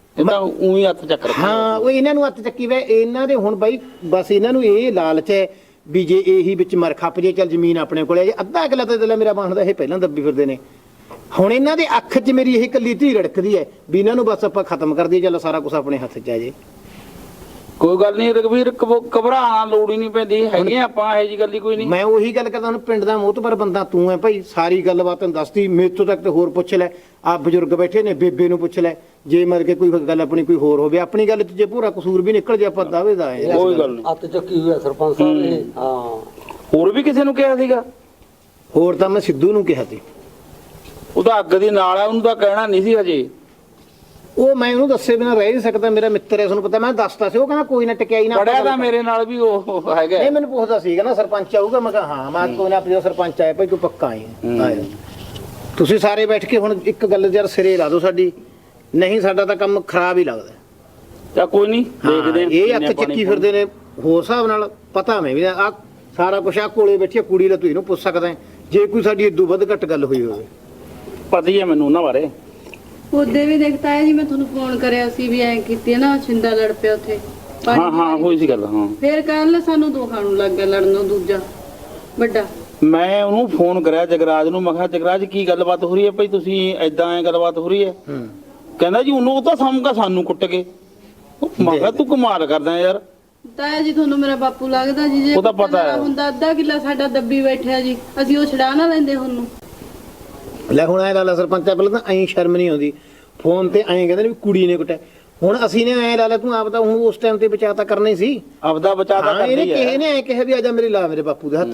S9: ਇਹ ਤਾਂ ਉਹੀ ਹੱਥ ਚੱਕ ਰੱਖਿਆ।
S2: ਹਾਂ ਉਹ ਇਹਨਾਂ ਨੂੰ ਹੱਥ ਚੱਕੀ ਵੇ ਇਹਨਾਂ ਦੇ ਹੁਣ ਬਾਈ ਬਸ ਇਹਨਾਂ ਨੂੰ ਇਹ ਲਾਲਚ ਹੈ ਵੀ ਜੇ ਇਹੀ ਵਿੱਚ ਮਰ ਖੱਪ ਜੇ ਚੱਲ ਜ਼ਮੀਨ ਆਪਣੇ ਕੋਲੇ ਜੇ ਅੱਧਾ ਕਿੱਲਾ ਤਾਂ ਦਿਲਾ ਮੇਰਾ ਬਣਦਾ ਇਹ ਪਹਿਲਾਂ ਦੱਬੀ ਫਿਰਦੇ ਨੇ। ਹੁਣ ਇਹਨਾਂ ਦੇ ਅੱਖ 'ਚ ਮੇਰੀ ਇਹ ਕੱਲੀ ਧੀ ਰੜਕਦੀ ਹੈ ਵੀ ਇਹਨਾਂ ਨੂੰ ਬਸ ਆਪਾਂ ਖਤਮ ਕਰ ਦਈਏ, ਚੱਲ ਸਾਰਾ ਕੁਝ ਆਪਣੇ ਹੱਥ 'ਚ ਆ ਜੇ।
S9: ਕੋਈ ਗੱਲ ਨਹੀਂ ਰਘਵੀਰ, ਘਬਰਾਉਣਾ ਲੋੜ ਹੀ ਨਹੀਂ ਪੈਂਦੀ ਹੈਗੇ ਆਪਾਂ, ਇਹੋ ਜੀ ਗੱਲ ਹੀ ਕੋਈ ਨਹੀਂ।
S2: ਮੈਂ ਉਹੀ ਗੱਲ ਕਰਦਾ, ਹੁਣ ਪਿੰਡ ਦਾ ਮੋਹਤਬਰ ਬੰਦਾ ਤੂੰ ਹੈ ਭਾਈ, ਸਾਰੀ ਗੱਲਬਾਤ ਤੈਨੂੰ ਦੱਸਦੀ, ਮੇਰੇ ਤੋਂ ਤੱਕ ਤੇ ਹੋਰ ਪੁੱਛ ਲੈ, ਆ ਬਜ਼ੁਰਗ ਬੈਠੇ ਨੇ, ਬੇਬੇ ਨੂੰ ਪੁੱਛ ਲੈ, ਜੇ ਮਰ ਕੇ ਕੋਈ ਗੱਲ ਆਪਣੀ ਕੋਈ ਹੋਰ ਹੋਵੇ, ਆਪਣੀ ਗੱਲ 'ਚ ਜੇ ਪੂਰਾ ਕਸੂਰ ਵੀ ਨਿਕਲ ਜੇ ਆਪਾਂ ਦਾਅਵੇਦਾਰ ਆਏ।
S9: ਕੋਈ ਗੱਲ ਨਹੀਂ,
S3: ਹੱਥ ਚੱਕੀ ਹੋਇਆ ਸਰਪੰਚ ਸਾਹਿਬ ਨੇ। ਹਾਂ
S9: ਹੋਰ ਵੀ ਕਿਸੇ ਨੂੰ ਕਿਹਾ ਸੀਗਾ?
S2: ਹੋਰ ਤਾਂ ਮੈਂ ਸਿੱਧੂ ਨੂੰ ਕਿਹਾ ਸੀ,
S9: ਉਹ ਤਾਂ ਅੱਗ ਦੀ ਨਾਲ ਆ, ਉਹਨੂੰ ਤਾਂ ਕਹਿਣਾ ਨਹੀਂ ਸੀ ਹਜੇ।
S2: ਉਹ ਮੈਂ ਉਹਨੂੰ ਦੱਸੇ ਬਿਨਾਂ ਰਹਿ ਨਹੀਂ ਸਕਦਾ, ਮੇਰਾ ਮਿੱਤਰ ਹੈ, ਤੁਹਾਨੂੰ ਪਤਾ, ਮੈਂ ਦੱਸਤਾ ਸੀ, ਉਹ ਕਹਿੰਦਾ ਕੋਈ ਨਾ ਟਕਿਆਈ ਨਾ।
S9: ਪੜਿਆ ਤਾਂ ਮੇਰੇ ਨਾਲ ਵੀ ਉਹ ਹੈਗਾ।
S2: ਇਹ ਮੈਨੂੰ ਪੁੱਛਦਾ ਸੀਗਾ ਨਾ ਸਰਪੰਚ ਆਊਗਾ, ਮੈਂ ਕਿਹਾ ਹਾਂ, ਮੈਂ ਕੋਈ ਨਾ ਆਪਣੀ ਸਰਪੰਚ ਆਇਆ ਭਾਈ ਤੂੰ ਪੱਕਾ ਆਏ। ਆਇਆ ਤੁਸੀਂ ਸਾਰੇ ਬੈਠ ਕੇ ਹੁਣ ਇੱਕ ਗੱਲ ਯਾਰ ਸਿਰੇ ਲਾ ਦਿਓ ਸਾਡੀ, ਨਹੀਂ ਸਾਡਾ ਤਾਂ ਕੰਮ ਖਰਾਬ ਹੀ ਲੱਗਦਾ।
S9: ਤਾਂ ਕੋਈ ਨਹੀਂ, ਦੇਖਦੇ ਹਾਂ
S2: ਇਹ ਹੱਥ ਚੱਕੀ ਫਿਰਦੇ ਨੇ ਹੋਰ ਹਿਸਾਬ ਨਾਲ, ਪਤਾ ਮੈਂ ਵੀ ਆ ਸਾਰਾ ਕੁਛ ਆ ਕੋਲੇ ਬੈਠੀ ਕੁੜੀ ਦਾ, ਤੂੰ ਇਹਨੂੰ ਪੁੱਛ ਸਕਦਾ ਜੇ ਕੋਈ ਸਾਡੀ ਇਦੋਂ ਵੱਧ ਘੱਟ ਗੱਲ ਹੋਈ ਹੋਵੇ।
S9: ਪਤਾ ਹੀ ਹੈ ਮੈਨੂੰ ਉਹਨਾਂ ਬਾਰੇ।
S4: ਉਹਦੇ ਵੀ ਦੇਖਤਾ ਹੈ ਜੀ, ਮੈਂ ਤੁਹਾਨੂੰ ਫੋਨ ਕਰਿਆ ਸੀ ਵੀ ਐਂ ਕੀਤੀ ਹੈ ਨਾ, ਛਿੰਦਾ ਲੜ ਪਿਆ ਉੱਥੇ।
S9: ਹਾਂ ਹਾਂ ਹੋਈ ਸੀ ਗੱਲ। ਹਾਂ
S4: ਫੇਰ ਕੱਲ ਸਾਨੂੰ ਦੋਹਾਂ ਨੂੰ ਲੱਗ ਗਿਆ ਲੜਨੋਂ, ਦੂਜਾ ਵੱਡਾ।
S9: ਮੈਂ ਉਹਨੂੰ ਫੋਨ ਕਰਿਆ ਜਗਰਾਜ ਨੂੰ, ਮੈਂ ਕਿਹਾ ਜਗਰਾਜ ਕੀ ਗੱਲਬਾਤ ਹੋ ਰਹੀ ਹੈ ਭਾਈ, ਤੁਸੀਂ ਐਦਾਂ ਐ ਗੱਲਬਾਤ ਹੋ ਰਹੀ ਹੈ? ਕਹਿੰਦਾ ਜੀ ਉਹਨੂੰ, ਉਹ ਤਾਂ ਸਮਝਾ ਸਾਨੂੰ ਕੁੱਟ ਕੇ। ਮੈਂ ਕਿਹਾ ਤੂੰ ਕਮਾਲ ਕਰਦਾ ਯਾਰ।
S4: ਤਾਇਆ ਜੀ ਤੁਹਾਨੂੰ ਮੇਰਾ ਬਾਪੂ ਲੱਗਦਾ ਜੀ, ਜੇ
S9: ਉਹ ਤਾਂ ਪਤਾ ਹੈ।
S4: ਹੁੰਦਾ ਅੱਧਾ ਕਿੱਲਾ ਸਾਡਾ ਦੱਬੀ ਬੈਠਿਆ ਜੀ, ਅਸੀਂ ਉਹ ਛਡਾ ਨਾ ਲੈਂਦੇ ਉਹਨੂੰ।
S2: ਲੈ ਹੁਣ ਐ ਲਾ ਸਰਪੰਚਾ, ਪਹਿਲਾਂ ਤਾਂ ਐਂ ਸ਼ਰਮ ਨਹੀਂ ਆਉਂਦੀ, ਫੋਨ ਤੇ ਐਂ ਕਹਿੰਦੇ ਨੇ ਵੀ ਕੁੜੀ ਨੇ ਕੁੱਟਿਆ। ਹੁਣ ਅਸੀਂ ਨੇ ਐ ਲਾ ਲਿਆ, ਤੂੰ ਆਪ ਤਾਂ ਹੁਣ ਉਸ ਟਾਈਮ ਤੇ ਬਚਾ ਤਾਂ ਕਰਨਾ ਹੀ ਸੀ,
S9: ਆਪਦਾ ਬਚਾ ਤਾਂ
S2: ਇਹਨੇ
S9: ਕਰਦੀ
S2: ਕਿਸੇ
S9: ਹੈ।
S2: ਨੇ ਐ ਕਿਹਾ ਵੀ ਆਜਾ ਮੇਰੇ ਲਾ ਮੇਰੇ ਬਾਪੂ ਦੇ ਹੱਥ।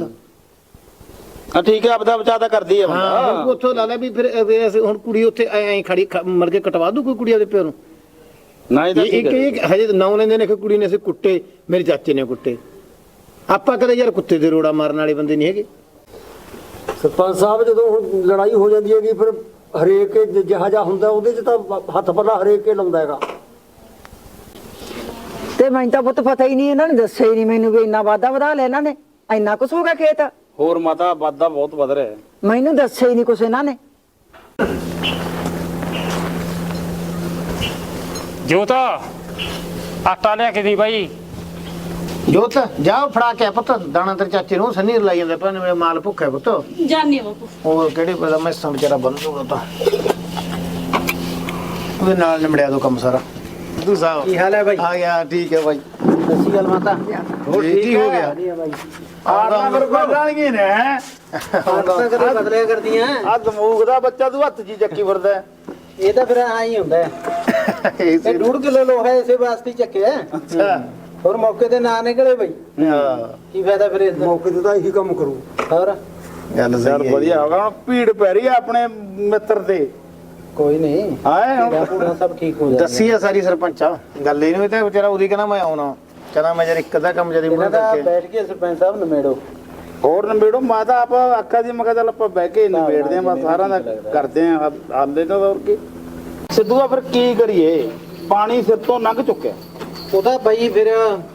S9: ਹਾਂ ਠੀਕ ਹੈ, ਆਪਦਾ ਬਚਾ ਤਾਂ ਕਰਦੀ ਹੈ
S2: ਹਾਂ
S9: ਬੰਦਾ।
S2: ਉੱਥੋਂ ਲਾ ਲਿਆ ਵੀ ਫਿਰ ਅਸੀਂ ਹੁਣ ਕੁੜੀ ਉੱਥੇ ਐਂ ਖੜੀ ਮਰ ਕੇ ਕਟਵਾ ਦੂ ਕੋਈ ਕੁੜੀ ਉਹਦੇ ਪਿਓ ਨੂੰ?
S9: ਨਾ ਇਹ ਤਾਂ ਠੀਕ ਹੈ।
S2: ਇੱਕ ਹਜੇ ਨਾਂ ਲੈਂਦੇ ਨੇ ਕਿ ਕੁੜੀ ਨੇ ਅਸੀਂ ਕੁੱਟੇ, ਮੇਰੇ ਚਾਚੇ ਨੇ ਕੁੱਟੇ। ਆਪਾਂ ਕਦੇ ਯਾਰ ਕੁੱਤੇ ਦੇ ਰੋੜਾ ਮਾਰਨ ਵਾਲੇ ਬੰਦੇ ਨਹੀਂ ਹੈਗੇ।
S3: ਸਰਪੰਚ ਸਾਹਿਬ ਜਦੋਂ ਹੁਣ ਲੜਾਈ ਹੋ ਜਾਂਦੀ ਹੈਗੀ, ਫਿਰ ਹਰੇਕ ਜਿਹਾ ਜਿਹਾ ਹੁੰਦਾ ਉਹਦੇ 'ਚ ਤਾਂ ਹੱਥ ਪੱਲਾ ਹਰੇਕ ਕੇ ਲਾਉਂਦਾ ਹੈਗਾ।
S8: ਤੇ ਮੈਨੂੰ ਤਾਂ ਪੁੱਤ ਪਤਾ ਹੀ ਨਹੀਂ, ਇਹਨਾਂ ਨੇ ਦੱਸਿਆ ਹੀ ਨਹੀਂ ਮੈਨੂੰ ਵੀ ਇੰਨਾ ਵਾਧਾ ਵਧਾ ਲਿਆ ਇਹਨਾਂ ਨੇ, ਇੰਨਾ ਕੁਛ ਹੋ ਗਿਆ ਖੇਤ।
S9: ਹੋਰ ਮਾਤਾ ਵਾਧਾ ਬਹੁਤ ਵਧ ਰਿਹਾ ਹੈ।
S8: ਮੈਨੂੰ ਦੱਸਿਆ ਹੀ ਨਹੀਂ ਕੁਛ ਇਹਨਾਂ ਨੇ।
S10: ਜੋਤਾ ਆਟਾ ਲਿਆ ਕੇ ਦੀ ਬਾਈ।
S2: ਜੋਤ ਜਾਓ ਫੜਾ ਕੇ ਪੁੱਤ ਦਾਣਾ ਤੇਰੇ ਚਾਚੇ ਨੂੰ, ਸੰਨੀ ਰਲਾਈ ਜਾਂਦੇ ਭਾਵੇਂ ਮੇਰਾ ਮਾਲ ਭੁੱਖਾ ਪੁੱਤ।
S4: ਜਾਨੀ ਬਾਪੂ
S2: ਹੋਰ ਕਿਹੜੇ ਪਤਾ ਮੈਂ ਸੰ ਵਿਚਾਰਾ ਬੰਨ ਦੂਗਾ ਤਾਂ ਉਹਦੇ ਨਾਲ ਨਿਮੜਿਆ ਦੋ ਕੰਮ ਸਾਰਾ। ਸਿੱਧੂ ਸਾਹਿਬ
S8: ਕੀ ਹਾਲ ਹੈ ਬਾਈ?
S2: ਆ ਗਿਆ, ਠੀਕ ਹੈ ਬਾਈ।
S8: ਸੱਚੀ ਗੱਲ ਮਾਤਾ,
S2: ਹੋਰ ਠੀਕ ਹੋ ਗਿਆ?
S9: ਆਹ ਫਿਰ ਬਦਲਣਗੇ ਨੇ।
S8: ਤਾਂ ਕਦੇ ਬਦਲਿਆ ਕਰਦੀਆਂ।
S9: ਆ ਦਮੂਗ ਦਾ ਬੱਚਾ ਤੂੰ ਹੱਥ 'ਚ ਚੱਕੀ ਫਿਰਦਾ।
S8: ਇਹ ਤਾਂ ਫਿਰ ਐਂ ਹੀ ਹੁੰਦਾ ਹੈ। ਇਹ 1.5 ਕਿਲੋ ਲੋਹਾ ਇਸੇ ਵਾਸਤੇ ਚੱਕਿਆ।
S2: ਅੱਛਾ
S8: ਹੋਰ ਮੌਕੇ ਤੇ ਨਾ ਨਿਕਲੇ ਬਈ,
S2: ਹਾਂ
S8: ਕੀ ਫਾਇਦਾ ਫਿਰ ਇਸ ਦਾ?
S3: ਮੌਕੇ ਤੇ ਤਾਂ ਇਹੀ ਕੰਮ ਕਰੂ।
S8: ਹੋਰ
S2: ਗੱਲ
S9: ਯਾਰ
S2: ਸਹੀ ਹੈ।
S9: ਵਧੀਆ ਹੋ ਗਿਆ, ਹੁਣ ਭੀੜ ਪੈ ਰਹੀ ਹੈ ਆਪਣੇ ਮਿੱਤਰ ਤੇ।
S8: ਕੋਈ ਨਹੀਂ,
S9: ਆਏ ਹੁਣ
S8: ਪੂਰਾ ਸਭ ਠੀਕ ਹੋ ਜਾਏਗਾ।
S2: ਦੱਸੀ ਆ ਸਾਰੀ ਸਰਪੰਚਾ ਗੱਲ, ਇਹ ਨਹੀਂ ਤਾਂ ਵਿਚਾਰਾ ਉਹਦੀ ਕਹਿੰਦਾ ਮੈਂ ਆਉਣਾ, ਕਹਿੰਦਾ ਮੈਂ ਜਦ ਇੱਕ ਅੱਧਾ ਕੰਮ ਜਦੀ
S8: ਇਹਨਾਂ
S2: ਮੁੜ
S8: ਦਾ
S2: ਕਰਕੇ
S8: ਬੈਠ ਕੇ ਸਰਪੰਚ ਸਾਹਿਬ ਨਿਮੇੜੋ।
S9: ਹੋਰ ਨਵੇੜੋ ਮਾਤਾ, ਆਪਾਂ ਆਖਾ ਦੀ ਮੈਂ ਕਿਹਾ ਚੱਲ ਆਪਾਂ ਬਹਿ ਕੇ ਨਵੇੜਦੇ ਆਂ, ਬਸ ਸਾਰਿਆਂ ਦਾ ਕਰਦੇ ਆਂ ਹਾਲੇ ਤਾਂ। ਹੋਰ ਕੀ ਸਿੱਧੂ ਦਾ ਫਿਰ ਕੀ ਕਰੀਏ, ਪਾਣੀ ਸਿਰ ਤੋਂ ਲੰਘ ਚੁੱਕਿਆ।
S8: ਉਹਦਾ ਬਈ ਫਿਰ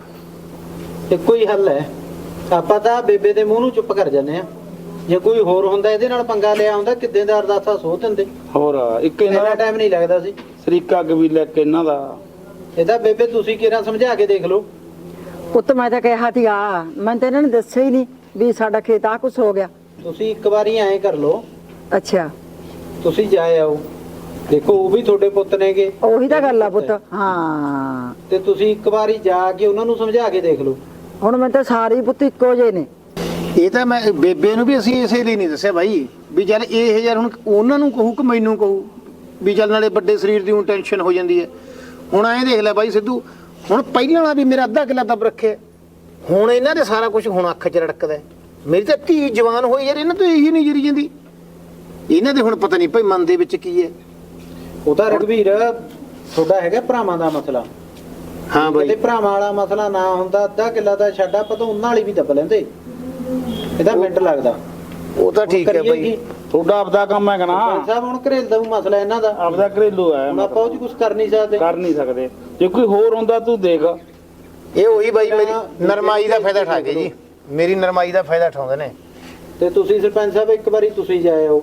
S8: ਇੱਕੋ ਹੀ ਹੱਲ ਹੈ, ਆਪਾਂ ਤਾਂ ਬੇਬੇ ਦੇ ਮੂੰਹ ਨੂੰ ਚੁੱਪ ਕਰ ਜਾਂਦੇ ਆ। ਜੇ ਕੋਈ ਹੋਰ ਹੁੰਦਾ ਇਹਦੇ ਨਾਲ ਪੰਗਾ ਲਿਆ ਹੁੰਦਾ, ਕਿੱਦਾਂ ਦਾ ਅਰਦਾਸਾ ਸੋਹ ਦਿੰਦੇ।
S9: ਹੋਰ ਇੱਕ ਇਹਨਾਂ
S8: ਇੰਨਾ
S9: ਦਾ
S8: ਟਾਈਮ ਨਹੀਂ ਲੱਗਦਾ ਸੀ।
S9: ਸਰੀਕਾ ਕਬੀਲਾ ਇੱਕ ਇਹਨਾਂ ਦਾ।
S8: ਇਹਦਾ ਬੇਬੇ ਤੁਸੀਂ ਕਿਹੜਾ ਸਮਝਾ ਕੇ ਦੇਖ ਲਓ।
S11: ਪੁੱਤ ਮੈਂ ਤਾਂ ਕਿਹਾ ਸੀ ਆ, ਮੈਂ ਤਾਂ ਇਹਨਾਂ ਨੇ ਦੱਸਿਆ ਹੀ ਨਹੀਂ ਵੀ ਸਾਡਾ ਖੇਤ ਆ ਕੁਛ ਹੋ ਗਿਆ।
S8: ਤੁਸੀਂ ਇੱਕ ਵਾਰੀ ਐਂ ਕਰ ਲਓ,
S11: ਅੱਛਾ
S8: ਤੁਸੀਂ ਜਾ ਆਓ, ਦੇਖੋ ਉਹ ਵੀ ਤੁਹਾਡੇ ਪੁੱਤ ਨੇਗੇ।
S11: ਉਹੀ ਤਾਂ ਗੱਲ ਆ ਪੁੱਤ। ਹਾਂ
S8: ਤੇ ਤੁਸੀਂ ਇੱਕ ਵਾਰੀ ਜਾ ਕੇ ਉਹਨਾਂ ਨੂੰ ਸਮਝਾ ਕੇ ਦੇਖ ਲਓ।
S11: ਹੁਣ ਮੈਂ ਤਾਂ ਸਾਰੇ ਹੀ ਪੁੱਤ ਇੱਕੋ ਜਿਹੇ ਨੇ।
S2: ਇਹ ਤਾਂ ਮੈਂ ਬੇਬੇ ਨੂੰ ਵੀ ਅਸੀਂ ਇਸੇ ਲਈ ਨਹੀਂ ਦੱਸਿਆ ਬਾਈ ਵੀ ਚੱਲ ਇਹ ਯਾਰ ਹੁਣ ਉਹਨਾਂ ਨੂੰ ਕਹੂ ਕਿ ਮੈਨੂੰ ਕਹੂ ਵੀ ਚੱਲ ਨਾਲੇ ਵੱਡੇ ਸਰੀਰ ਦੀ ਟੈਨਸ਼ਨ ਹੋ ਜਾਂਦੀ ਹੈ। ਹੁਣ ਐਂ ਦੇਖ ਲੈ ਬਾਈ ਸਿੱਧੂ, ਹੁਣ ਪਹਿਲਾਂ ਵਾਲਾ ਵੀ ਮੇਰਾ ਅੱਧਾ ਕਿੱਲਾ ਦੱਬ ਰੱਖਿਆ, ਹੁਣ ਇਹਨਾਂ ਦੇ ਸਾਰਾ ਕੁਝ ਹੁਣ ਅੱਖ 'ਚ ਰੜਕਦਾ। ਮੇਰੀ ਤਾਂ ਧੀ ਜਵਾਨ ਹੋਈ ਯਾਰ, ਇਹਨਾਂ ਤੋਂ ਇਹੀ ਨਹੀਂ ਜਰੀ ਜਾਂਦੀ। ਇਹਨਾਂ ਦੇ ਹੁਣ ਪਤਾ ਨਹੀਂ ਭਾਈ ਮਨ ਦੇ ਵਿੱਚ ਕੀ ਹੈ।
S8: ਉਹ ਤਾਂ ਰਘਵੀਰ ਤੁਹਾਡਾ ਹੈਗਾ ਭਰਾਵਾਂ ਦਾ ਮਸਲਾ।
S2: ਹਾਂ ਬਾਈ,
S8: ਤੇ ਭਰਾਵਾਂ ਵਾਲਾ ਮਸਲਾ ਨਾ ਹੁੰਦਾ, ਅੱਧਾ ਕਿੱਲਾ ਦਾ ਛੱਡ ਆਪਾਂ ਤਾਂ ਉਹਨਾਂ ਵਾਲੀ ਵੀ ਦੱਬ ਲੈਂਦੇ। ਇਹਦਾ ਮਿੰਟ ਲੱਗਦਾ।
S2: ਉਹ ਤਾਂ ਠੀਕ ਹੈ ਬਾਈ।
S9: ਤੁਹਾਡਾ ਆਪਦਾ ਕੰਮ ਹੈਗਾ ਨਾ
S8: ਸਾਹਿਬ, ਹੁਣ ਘਰੇਲ ਦਾ ਮਸਲਾ ਇਹਨਾਂ ਦਾ,
S9: ਆਪਦਾ ਘਰੇਲੂ ਹੈ,
S8: ਹੁਣ ਆਪਾਂ ਉਹ 'ਚ ਕੁਝ ਕਰ ਨਹੀਂ ਸਕਦੇ।
S9: ਕਰ ਨਹੀਂ ਸਕਦੇ। ਜੇ ਕੋਈ ਹੋਰ ਹੁੰਦਾ ਤੂੰ ਦੇਖ।
S2: ਇਹ ਉਹੀ ਬਾਈ ਮੇਰੀ ਨਰਮਾਈ ਦਾ ਫਾਇਦਾ ਉਠਾ ਕੇ ਜੀ, ਮੇਰੀ ਨਰਮਾਈ ਦਾ ਫਾਇਦਾ ਉਠਾਉਂਦੇ ਨੇ।
S8: ਤੇ ਤੁਸੀਂ ਸਰਪੰਚ ਸਾਹਿਬ ਇੱਕ ਵਾਰੀ ਤੁਸੀਂ ਜਾਇਓ,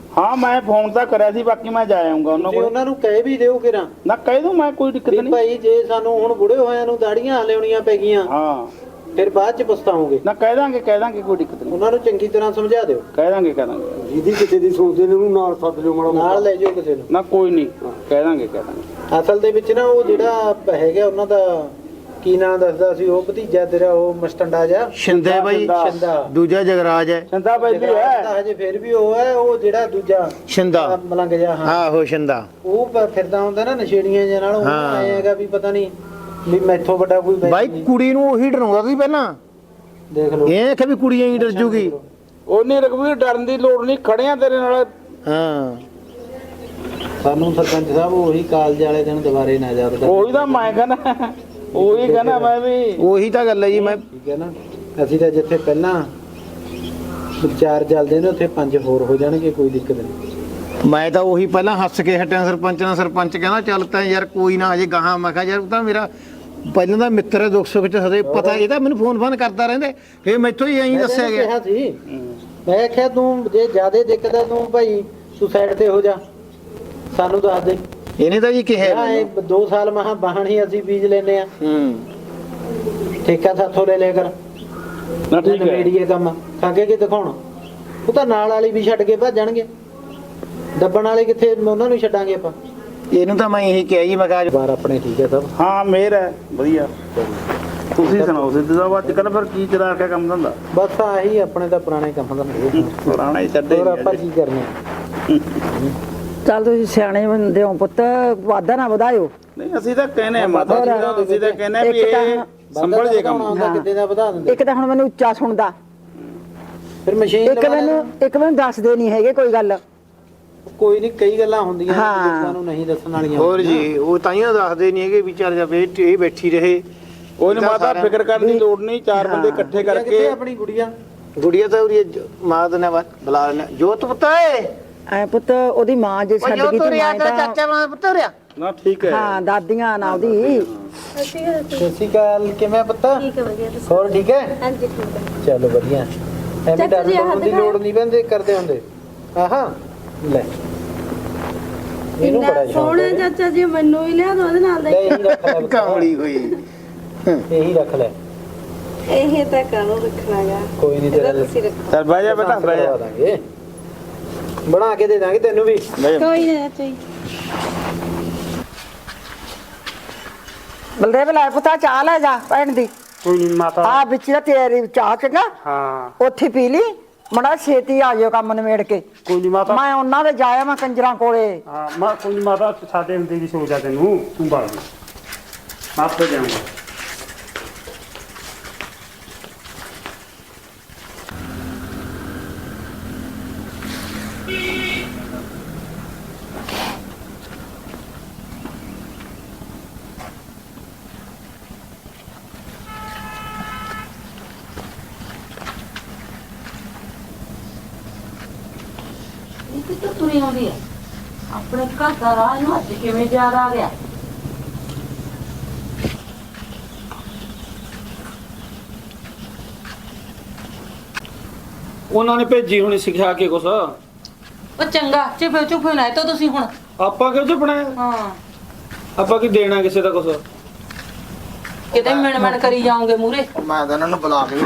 S9: ਹਾਂ ਮੈਂ ਫੋਨ ਤਾਂ ਕਰਿਆ ਸੀ, ਬਾਕੀ ਮੈਂ ਜਾ ਆਉਂਗਾ ਉਹਨਾਂ
S8: ਜੇ
S9: ਕੋਲ।
S8: ਉਹਨਾਂ ਨੂੰ ਕਹਿ ਵੀ ਦਿਓ ਕਿਰਾਂ
S9: ਨਾ ਕਹਿ ਦੂੰ ਮੈਂ, ਕੋਈ ਦਿੱਕਤ
S8: ਵੀ
S9: ਨਹੀਂ।
S8: ਭਾਈ ਜੇ ਸਾਨੂੰ ਹੁਣ ਬੁੜੇ ਹੋਇਆਂ ਨੂੰ ਦਾੜੀਆਂ ਹਲਿਆਉਣੀਆਂ ਪੈ ਗਈਆਂ
S9: ਹਾਂ
S8: ਫਿਰ ਬਾਅਦ ਚ ਪਛਤਾਓਗੇ।
S9: ਨਾ ਕਹਿ ਦਾਂਗੇ ਕੋਈ ਦਿੱਕਤ ਨਹੀਂ।
S8: ਉਹਨਾਂ ਨੂੰ ਚੰਗੀ ਤਰ੍ਹਾਂ ਸਮਝਾ ਦਿਓ।
S9: ਕਹਿ ਦਾਂਗੇ
S3: ਜਿਹਦੀ ਕਿਤੇ ਦੀ ਸੋਚਦੇ ਨੇ ਉਹਨੂੰ ਨਾਲ ਸੱਦ ਲਿਓ ਮਾੜਾ
S8: ਨਾਲ ਲੈ ਜਾਓ ਕਿਸੇ ਨੂੰ।
S9: ਨਾ ਕੋਈ ਨਹੀਂ, ਕਹਿ ਦਾਂਗੇ
S8: ਅਸਲ ਦੇ ਵਿੱਚ ਨਾ ਉਹ ਜਿਹੜਾ ਹੈਗਾ ਉਹਨਾਂ ਦਾ ਕੀ ਨਾਂ ਦੱਸਦਾ ਸੀ ਉਹ ਭਤੀਜਾ ਤੇਰਾ, ਉਹ ਮਸਟੰਡਾ ਜਾ
S2: ਸ਼ਿੰਦੇ ਬਾਈ,
S8: ਸ਼ਿੰਦਾ।
S2: ਦੂਜਾ ਜਗਰਾਜ ਹੈ।
S9: ਸੰਦਾ ਬੈਲੀ
S8: ਜਗਰਾਜ ਤਾਂ
S9: ਹੈ।
S8: ਹਜੇ ਫਿਰ ਵੀ ਉਹ ਹੈ, ਉਹ ਜਿਹੜਾ ਦੂਜਾ
S2: ਸ਼ਿੰਦਾ
S8: ਮਲੰਗ ਜਾ। ਹਾਂ
S2: ਆਹੋ ਸ਼ਿੰਦਾ।
S8: ਉਹ ਫਿਰਦਾ ਹੁੰਦਾ ਨਾ ਨਸ਼ੇੜੀਆਂ ਜਿਹੇ ਨਾਲ, ਉਹ
S2: ਹਾਂ।
S8: ਆਏ ਹੈਗਾ ਵੀ ਪਤਾ ਨਹੀਂ ਵੀ ਮੈਥੋਂ ਵੱਡਾ ਕੋਈ ਵੈਸੇ
S2: ਬਾਈ
S8: ਨਹੀਂ।
S2: ਕੁੜੀ ਨੂੰ ਉਹੀ ਡਰਾਉਂਦਾ ਸੀ ਪਹਿਲਾਂ,
S8: ਦੇਖ ਲਓ
S2: ਇਹ ਕਿ ਵੀ ਕੁੜੀਆਂ ਹੀ ਡਰ ਜੂਗੀ।
S9: ਉਹਨੇ ਰਘਵੀਰ ਡਰਨ ਦੀ ਲੋੜ ਨਹੀਂ, ਖੜਿਆ ਤੇਰੇ ਨਾਲ।
S2: ਹਾਂ
S8: ਸਾਨੂੰ ਸਰਪੰਚ ਸਾਹਿਬ ਉਹੀ ਕਾਲਜ ਵਾਲੇ ਦਿਨ ਦੁਬਾਰੇ ਨਾ ਯਾਦ ਕਰ।
S9: ਉਹੀ ਤਾਂ ਮੈਂ ਕਹਿੰਦਾ, ਉਹੀ ਕਹਿੰਦਾ ਮੈਂ ਵੀ।
S2: ਉਹੀ ਤਾਂ ਗੱਲ ਹੈ ਜੀ। ਮੈਂ
S8: ਠੀਕ ਹੈ ਨਾ, ਅਸੀਂ ਤਾਂ ਜਿੱਥੇ ਪਹਿਲਾਂ ਵਿਚਾਰ ਚੱਲਦੇ ਨੇ ਉੱਥੇ 5 ਹੋਰ ਹੋ ਜਾਣਗੇ, ਕੋਈ ਦਿੱਕਤ ਨਹੀਂ।
S2: ਮੈਂ ਤਾਂ ਉਹੀ ਪਹਿਲਾਂ ਹੱਸ ਕੇ ਹਟਿਆ ਸਰਪੰਚ ਨਾਲ। ਸਰਪੰਚ ਕਹਿੰਦਾ ਚੱਲ ਤਾਂ ਯਾਰ ਕੋਈ ਨਾ ਅਜੇ ਗਾਹਾਂ। ਮੈਂ ਕਿਹਾ ਯਾਰ ਉਹ ਤਾਂ ਮੇਰਾ ਪਹਿਲਾਂ ਦਾ ਮਿੱਤਰ ਹੈ, ਦੁੱਖ ਸੁੱਖ ਚ ਸਦੇ ਪਤਾ, ਇਹ ਤਾਂ ਮੈਨੂੰ ਫੋਨ ਕਰਦਾ ਰਹਿੰਦੇ। ਫੇਰ ਮੈਥੋਂ ਹੀ ਐਂ ਦੱਸਿਆ
S8: ਮੈਂ
S2: ਗਿਆ।
S8: ਕਿਹਾ ਸੀ, ਮੈਂ ਕਿਹਾ ਤੂੰ ਜੇ ਜ਼ਿਆਦਾ ਦਿੱਕਤ ਹੈ ਤੂੰ ਭਾਈ ਤੂੰ ਸਾਈਡ ਤੇ ਹੋ ਜਾ, ਸਾਨੂੰ ਦੱਸ ਦੇ।
S2: ਇਹਨੇ ਤਾਂ ਜੀ ਕਿਹਾ।
S8: 2 ਸਾਲ ਮਹਾ ਬਾਹਣੀ ਅਸੀਂ ਬੀਜ ਲੈਨੇ ਆ, ਠੇਕਾ ਸਾਥੋਂ ਲੈ ਲਿਆ ਕਰ।
S9: ਨਾ ਠੀਕ ਹੈ।
S8: ਮੇੜੀਏ ਕੰਮ ਖਾਗੇ ਕਿ ਦਿਖਾਉਣ, ਉਹ ਤਾਂ ਨਾਲ ਵਾਲੀ ਵੀ ਛੱਡ ਕੇ ਭੱਜਣਗੇ, ਦੱਬਣ ਵਾਲੇ ਕਿੱਥੇ, ਉਹਨਾਂ ਨੂੰ ਛੱਡਾਂਗੇ ਆਪਾਂ।
S2: ਇਹਨੂੰ ਤਾਂ ਮੈਂ ਇਹੀ ਕਿਹਾ ਜੀ, ਮੈਂ ਕਿਹਾ
S8: ਬਾਰ ਆਪਣੇ ਠੀਕ ਹੈ ਸਭ।
S9: ਹਾਂ ਮੇਰ ਹੈ ਵਧੀਆ। ਤੁਸੀਂ ਸੁਣਾਓ ਸਿੱਧੂ ਸਾਹਿਬ, ਅੱਜ ਕੱਲ ਫਿਰ ਕੀ ਚਲਾ ਕੇ ਕੰਮ ਧੰਦਾ?
S8: ਬਸ ਆਹੀ ਆਪਣੇ ਤਾਂ ਪੁਰਾਣੇ ਕੰਮ ਦਾ
S9: ਪੁਰਾਣਾ ਹੀ ਛੱਡੇ
S8: ਹੋਰ ਆਪਾਂ ਕੀ ਕਰਨਾ।
S11: ਚੱਲ ਤੁਸੀਂ ਸਿਆਣੇ ਬੰਦੇ ਹੋ ਪੁੱਤ, ਵਾਧਾ ਨਾ ਵਧਾਇਓ।
S9: ਨਹੀਂ ਅਸੀਂ ਤਾਂ ਕਹਿੰਦੇ ਆ ਮਾਤਾ ਜੀ, ਅਸੀਂ ਤਾਂ ਕਹਿੰਦੇ ਆ ਵੀ ਇਹ ਸੰਭਲ ਜੇ ਕੰਮ।
S8: ਕਿਤੇ ਦਾ ਵਧਾ ਦਿੰਦੇ।
S11: ਇੱਕ ਤਾਂ ਹੁਣ ਮੈਨੂੰ ਉੱਚਾ ਸੁਣਦਾ,
S8: ਫਿਰ ਮਸ਼ੀਨ
S11: ਇੱਕ ਮੈਨੂੰ ਦੱਸਦੇ ਨਹੀਂ ਹੈਗੇ ਕੋਈ ਗੱਲ।
S8: ਕੋਈ ਨਹੀਂ, ਕਈ ਗੱਲਾਂ ਹੁੰਦੀਆਂ ਨੇ
S11: ਹਾਂ।
S8: ਲੋਕਾਂ ਨੂੰ ਨਹੀਂ ਦੱਸਣ ਵਾਲੀਆਂ।
S2: ਹੋਰ ਜੀ, ਉਹ ਤਾਈਆਂ ਦੱਸਦੇ ਨਹੀਂ ਹੈਗੇ, ਵਿਚਾਰ ਜਾ ਇਹ ਬੈਠੀ ਰਹੇ।
S9: ਉਹਨੇ ਮਾਤਾ ਫਿਕਰ ਕਰਨ ਦੀ ਲੋੜ ਨਹੀਂ, 4 ਬੰਦੇ ਇਕੱਠੇ
S8: ਕਿੱਥੇ
S9: ਕਰਕੇ।
S8: ਆਪਣੀ ਗੁੜੀਆ?
S2: ਗੁੜੀਆ ਤਾਂ ਉਹਦੀ ਮਾਂ ਦਾ ਨਾ ਬੁਲਾ ਲੈਣਾ। ਜੋਤ ਪੁੱਤ ਏ,
S11: ਐ ਪੁੱਤ ਉਹਦੀ ਮਾਂ ਜੇ ਛੱਡ ਗਈ ਤੇ ਮੈਂ ਤਾਂ
S2: ਚਾਚਾ ਮਾਂ ਪੁੱਤ ਰਿਆ।
S9: ਨਾ ਠੀਕ ਹੈ।
S11: ਹਾਂ ਦਾਦੀਆਂ ਨਾ ਉਹਦੀ।
S8: ਸਤਿ ਸ਼੍ਰੀ ਅਕਾਲ, ਕਿਵੇਂ ਪੁੱਤ?
S12: ਠੀਕ ਹੈ, ਵਧੀਆ ਤੁਸੀਂ?
S8: ਹੋਰ ਠੀਕ ਹੈ?
S12: ਹਾਂਜੀ ਠੀਕ ਹੈ।
S8: ਚਲੋ ਵਧੀਆ। ਐਵੇਂ
S12: ਚਾਚਾ ਜੀ,
S8: ਡਰਨ ਦੀ ਲੋੜ ਨਹੀਂ ਪੈਂਦੀ, ਕਰਦੇ ਹੁੰਦੇ। ਆਹਾਂ ਲੈ ਇਹਨੂੰ ਬੜਾ ਸ਼ੌਕ
S12: ਸੋਹਣਾ
S8: ਹੈ।
S12: ਚਾਚਾ ਜੀ, ਮੈਨੂੰ ਵੀ ਲਿਆ ਦੋ ਉਹਦੇ ਨਾਲ ਦਾ
S8: ਲੈ ਇਹੀ ਰੱਖ ਲੈ ਪੁੱਤ।
S2: ਕਾਮੜੀ ਹੋਈ।
S8: ਇਹੀ ਰੱਖ ਲੈ,
S12: ਇਹ ਤਾਂ ਕਾਹਨੂੰ ਰੱਖਣਾਗਾ।
S8: ਕੋਈ ਨਹੀਂ ਤੇਰਾ
S12: ਤੁਸੀਂ ਰੱਖੋ।
S9: ਚੱਲ ਬਹਿ ਜਾ ਬੇਟਾ, ਬਹਿ ਜਾ।
S8: ਦਾਂਗੇ, ਬਣਾ ਕੇ ਦੇ ਦਾਂਗੇ ਤੈਨੂੰ ਵੀ।
S12: ਕੋਈ ਨਾ ਚਾਚਾ ਜੀ।
S11: ਬਲਦੇਵ ਲੈ ਪੁੱਤਾ ਚਾਹ ਲੈ ਜਾ ਭੈਣ ਦੀ।
S10: ਕੋਈ ਨਹੀਂ ਮਾਤਾ।
S11: ਆ ਵਿੱਚ ਦਾ ਤੇਰੀ ਚਾਹ ਚੰਗਾ
S10: ਹਾਂ
S11: ਉੱਥੇ ਪੀ ਲਈ, ਮੜਾ ਛੇਤੀ ਆ ਜਾਇਓ ਕੰਮ ਨਿਬੇੜ ਕੇ।
S10: ਕੋਈ ਨਹੀਂ ਮਾਤਾ।
S11: ਮੈਂ ਉਹਨਾਂ ਦੇ ਜਾਇਆ ਮੈਂ ਕੰਜਰਾਂ ਕੋਲੇ।
S10: ਹਾਂ ਮਾ ਕੋਈ ਨੀ ਮਾਤਾ, ਸਾਡੇ ਹੁੰਦੇ ਦੀ ਸੋਚ ਆ ਤੈਨੂੰ, ਤੂੰ ਬਾਲ ਆਪੇ ਜਾਊਂਗਾ।
S1: ਕਿੱਥੇ ਤੁਰੀ ਆਉਂਦੀ ਹੈ? ਆਪਣੇ ਘਰ ਦਾ ਰਾਹ ਨੂੰ ਅੱਜ ਕਿਵੇਂ ਯਾਦ ਆ ਗਿਆ?
S6: ਉਹਨਾਂ ਨੇ ਭੇਜੀ ਹੋਣੀ ਸਿਖਾ ਕੇ ਕੁਛ।
S4: ਉਹ ਚੰਗਾ ਚੁੱਪ ਚੁੱਪ ਨਾ ਤੋ ਤੁਸੀਂ ਹੁਣ।
S6: ਆਪਾਂ ਕਿਉਂ ਚੁੱਪਣਾ?
S4: ਹਾਂ
S6: ਆਪਾਂ ਕੀ ਦੇਣਾ ਕਿਸੇ ਦਾ ਕੁਛ?
S4: ਕਿਤੇ ਮਿਣ ਕਰੀ ਜਾਓਗੇ ਮੂਰੇ।
S2: ਮੈਂ ਤਾਂ ਇਹਨਾਂ ਨੂੰ ਬੁਲਾ ਕੇ